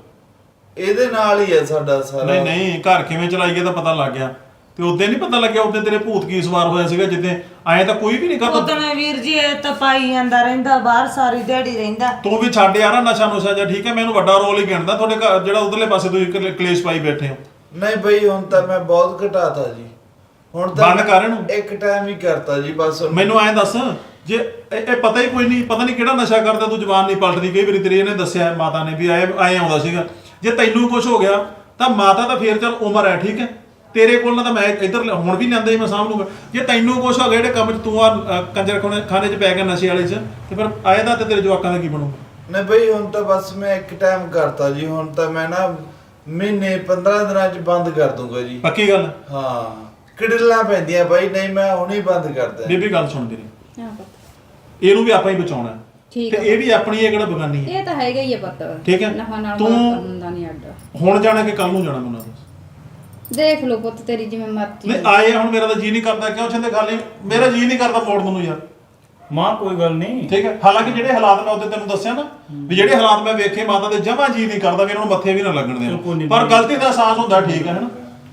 ਇਹਦੇ ਨਾਲ ਹੀ ਹੈ ਸਾਡਾ ਸਾਰਾ।
ਨਹੀਂ ਨਹੀਂ ਘਰ ਕਿਵੇਂ ਚਲਾਈਏ ਤਾਂ ਪਤਾ ਲੱਗ ਗਿਆ, ਤੇ ਉਦੋਂ ਨਹੀਂ ਪਤਾ ਲੱਗਿਆ ਉਦੋਂ ਤੇਰੇ ਭੂਤ ਕੀ ਸਵਾਰ ਹੋਇਆ ਸੀਗਾ, ਜਿੱਦੇ ਐਂ ਤਾਂ ਕੋਈ ਵੀ ਨਹੀਂ ਕਰਦਾ।
ਉਦੋਂ ਵੀਰ ਜੀ ਇਹ ਤਾਂ ਪਾਈ ਜਾਂਦਾ ਰਹਿੰਦਾ ਬਾਹਰ, ਸਾਰੀ ਦਿਹਾੜੀ ਰਹਿੰਦਾ।
ਤੂੰ ਵੀ ਛੱਡ ਯਾਰ ਨਸ਼ਾ ਨੁਸ਼ਾ ਜਾਂ, ਠੀਕ ਹੈ। ਮੈਨੂੰ ਵੱਡਾ ਰੋਲ ਹੀ ਗਿਣਦਾ ਤੁਹਾਡੇ ਘਰ ਜਿਹੜਾ ਉਧਰਲੇ ਪਾਸੇ ਤੁਸੀਂ ਕਲੇ- ਕਲੇਸ਼ ਪਾਈ ਬੈਠੇ ਹੋ।
ਨਹੀਂ ਬਈ ਹੁਣ ਤਾਂ ਮੈਂ ਬਹੁਤ ਘਟਾਤਾ ਜੀ, ਹੁਣ ਤਾਂ
ਬੰਦ ਕਰ ਇਹਨੂੰ।
ਇੱਕ ਟਾਈਮ ਹੀ ਕਰਤਾ ਜੀ ਬਸ।
ਮੈਨੂੰ ਐਂ ਦੱਸ, ਜੇ ਇਹ ਇਹ ਪਤਾ ਹੀ ਕੋਈ ਨਹੀਂ, ਪਤਾ ਨਹੀਂ ਕਿਹੜਾ ਨਸ਼ਾ ਕਰਦਾ, ਤੂੰ ਜ਼ਬਾਨ ਨਹੀਂ ਪਲਟਦੀ। ਕਈ ਵਾਰੀ ਤੇਰੀ ਇਹਨੇ ਦੱਸਿਆ ਮਾਤਾ ਨੇ ਵੀ ਐ ਐ ਆਉਂਦਾ ਸੀਗਾ। ਜੇ ਤੈਨੂੰ ਕੁਝ ਹੋ ਗਿਆ ਤਾਂ ਮਾਤਾ ਤਾਂ ਫੇਰ ਚੱਲ ਉਮਰ ਹੈ, ਠੀਕ ਹੈ। ਤੇਰੇ ਕੋਲ ਨਾ ਤਾਂ ਮੈਂ ਇੱਧਰ ਹੁਣ ਵੀ ਲੈਂਦਾ ਹੀ ਮੈਂ ਸਾਂਭ ਲੂੰਗਾ। ਜੇ ਤੈਨੂੰ ਕੁਝ ਹੋ ਗਿਆ ਜਿਹੜੇ ਕੰਮ 'ਚ ਤੂੰ ਆ ਕੰਜਰ ਖਾਨੇ 'ਚ ਪੈ ਗਿਆ ਨਸ਼ੇ ਵਾਲੇ 'ਚ, ਤੇ ਫਿਰ ਆਏਦਾ ਤੇ ਤੇਰੇ ਜਵਾਕਾਂ ਦਾ ਕੀ ਬਣੂਗਾ?
ਨਹੀਂ ਬਈ ਹੁਣ ਤਾਂ ਬਸ ਮੈਂ ਇੱਕ ਟਾਈਮ ਕਰਤਾ ਜੀ, ਹੁਣ ਤਾਂ ਮੈਂ ਨਾ ਮਹੀਨੇ ਪੰਦਰਾਂ ਦਿਨਾਂ 'ਚ ਬੰਦ ਕਰ ਦੂੰਗਾ ਜੀ।
ਪੱਕੀ ਗੱਲ?
ਹਾਂ ਕਿਡਲਾਂ ਪੈਂਦੀਆਂ ਬਾਈ, ਨਹੀਂ ਮੈਂ ਹੁਣੇ ਬੰਦ ਕਰਦਾ।
ਬੀਬੀ ਗੱਲ ਸੁਣ ਤੇਰੀ,
ਹਾਂ ਪੁੱਤ
ਇਹਨੂੰ ਵੀ ਆਪਾਂ ਹੀ ਬਚਾਉਣਾ
ਠੀਕ
ਤੇ
ਹੈ।
ਇਹ ਵੀ ਆਪਣੀ ਹੈ, ਕਿਹੜਾ ਬਗਾਨੀ ਹੈ।
ਇਹ ਤਾਂ ਹੈਗਾ ਹੀ ਹੈ ਪੁੱਤ,
ਠੀਕ ਹੈ।
ਨਫਾ ਨਾਲ
ਤੂੰ-
ਬਾਤ ਹੁੰਦਾ ਨਹੀਂ ਅੱਡ।
ਹੁਣ ਜਾਣਾ ਕਿ ਕੱਲ ਨੂੰ ਜਾਣਾ ਮੈਨੂੰ ਦੱਸ।
ਦੇਖ ਲਓ ਪੁੱਤ ਤੇਰੀ ਜਿਵੇਂ ਮਰਜ਼ੀ।
ਨਹੀਂ ਆਏ ਹੁਣ ਮੇਰਾ ਤਾਂ ਜੀ ਨਹੀਂ ਕਰਦਾ, ਕਿਉਂ ਛੰਦੇ ਖਾਲੀ ਮੇਰਾ ਜੀ ਨਹੀਂ ਕਰਦਾ ਮੋੜਨ ਨੂੰ ਯਾਰ,
ਮਾਂ ਕੋਈ ਗੱਲ ਨਹੀਂ,
ਠੀਕ ਹੈ। ਹਾਲਾਂਕਿ ਜਿਹੜੇ ਹਾਲਾਤ ਮੈਂ ਉਹਦੇ ਤੈਨੂੰ ਦੱਸਿਆ ਨਾ ਵੀ ਜਿਹੜੇ ਹਾਲਾਤ ਮੈਂ ਵੇਖੇ, ਮਾਤਾ ਦੇ ਜਮਾ ਜੀ ਨਹੀਂ ਕਰਦਾ ਵੀ ਇਹਨਾਂ ਨੂੰ ਮੱਥੇ ਵੀ ਨਾ ਲੱਗਣ
ਬਿਲਕੁਲ
ਦੇਣ,
ਨਹੀਂ।
ਪਰ ਗਲਤੀ ਦਾ ਅਹਿਸਾਸ ਹੁੰਦਾ, ਠੀਕ ਹੈ ਹਨਾ।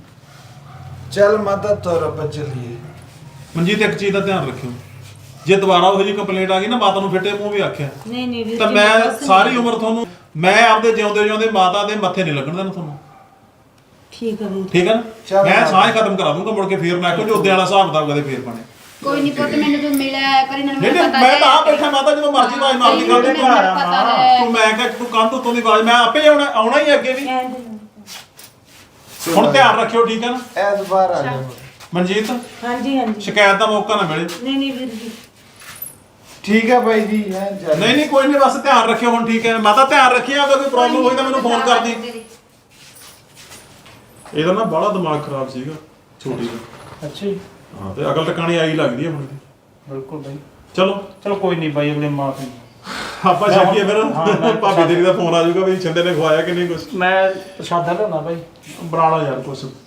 ਚੱਲ ਮਾਤਾ ਤੁਰ ਆਪਾਂ ਚੱਲੀਏ।
ਮਨਜੀਤ ਇੱਕ ਚੀਜ਼ ਦਾ ਧਿਆਨ ਰੱਖਿਓ, ਜੇ ਦੁਬਾਰਾ ਉਹੋ ਜਿਹੀ ਕੰਪਲੇਂਟ ਆ ਗਈ ਨਾ, ਮਾਤਾ ਨੂੰ ਫਿੱਟੇ ਮੂੰਹ ਵੀ ਆਖਿਆ
ਨਹੀਂ ਨਹੀਂ ਵੀਰ
ਤਾਂ
ਜੀ,
ਮੈਂ
ਬਸ ਨਹੀਂ।
ਸਾਰੀ ਉਮਰ ਤੁਹਾਨੂੰ, ਮੈਂ ਆਪਦੇ ਜਿਉਂਦੇ ਜਿਉਂਦੇ ਮਾਤਾ ਦੇ ਮੱਥੇ ਨਹੀਂ ਲੱਗਣ ਦੇਣਾ ਤੁਹਾਨੂੰ,
ਠੀਕ ਹੈ ਵੀਰ।
ਠੀਕ ਹੈ ਨਾ।
ਚੱਲ
ਮੈਂ
ਮਾਤਾ।
ਸਾਹ ਖਤਮ ਕਰਾ ਦੂੰਗਾ, ਮੁੜ ਕੇ ਫੇਰ ਮੈਂ ਕਿਹਾ ਉਹਦੇ ਵਾਲਾ ਹਿਸਾਬ ਕਿਤਾਬ ਕਦੇ ਫੇਰ ਬਣੇ।
ਕੋਈ ਨਹੀਂ ਪੁੱਤ, ਮੈਨੂੰ ਤੂੰ ਮਿਲਿਆ ਕਰੀ ਨਾ
ਨਹੀਂ ਨਹੀਂ ਮੈਂ ਤਾਂ ਆ ਬੈਠਾ, ਮਾਤਾ ਜਦੋਂ ਮਰਜ਼ੀ ਆਵਾਜ਼ ਮਾਰਦੀ ਕਰ ਦੇ।
ਮੈਨੂੰ ਪਤਾ ਹੈ।
ਤੂੰ ਮੈਂ ਕਿਹਾ ਤੂੰ ਕੰਧ ਉੱਤੋਂ ਦੀ ਆਵਾਜ਼, ਮੈਂ ਆਪੇ ਆਉਣਾ ਆਉਣਾ ਹੀ ਅੱਗੇ ਵੀ। ਹੁਣ ਧਿਆਨ ਰੱਖਿਓ, ਠੀਕ ਹੈ ਨਾ
ਐਸ ਬਾਹਰ ਆ ਜਾ
ਮਨਜੀਤ,
ਹਾਂਜੀ ਹਾਂਜੀ।
ਸ਼ਿਕਾਇਤ ਦਾ ਮੌਕਾ ਨਾ ਮਿਲੇ।
ਨਹੀਂ ਨਹੀਂ ਵੀਰ ਜੀ।
ਠੀਕ ਹੈ ਬਾਈ ਜੀ ਹੈ ਚੱਲ।
ਨਹੀਂ ਨਹੀਂ ਕੋਈ ਨਹੀਂ, ਬਸ ਧਿਆਨ ਰੱਖਿਓ ਹੁਣ, ਠੀਕ ਹੈ। ਮਾਤਾ ਧਿਆਨ ਰੱਖਿਆ, ਅਗਰ ਕੋਈ ਪ੍ਰੋਬਲਮ ਹੋਈ ਤਾਂ ਮੈਨੂੰ ਫੋਨ ਕਰਦੀ। ਇਹਦਾ ਨਾ ਬੜਾ ਦਿਮਾਗ ਖਰਾਬ ਸੀਗਾ ਛੋਟੀ ਦਾ।
ਅੱਛਾ ਜੀ,
ਹਾਂ ਤੇ ਅਕਲ ਟਿਕਾਣੀ ਆਈ ਲੱਗਦੀ ਹੈ ਹੁਣ।
ਬਿਲਕੁਲ ਬਾਈ।
ਚਲੋ
ਚਲੋ ਕੋਈ ਨਹੀਂ ਬਾਈ, ਅਗਲੇ ਮਾਫੀ।
ਆਪਾਂ ਛੱਡੀਏ ਫਿਰ।
ਹਾਂ, ਮੈਂ-
ਭਾਬੀ ਤੇਰੀ ਦਾ ਫੋਨ ਆ ਜਾਊਗਾ ਵੀ ਛਿੰਦੇ ਨੇ ਖਵਾਇਆ ਕਿ ਨਹੀਂ ਕੁਝ।
ਮੈਂ ਪ੍ਰਸ਼ਾਦਾ ਲਿਆਉਣਾ ਬਾਈ।
ਬਣਾ ਲਾ ਯਾਰ ਕੁਛ।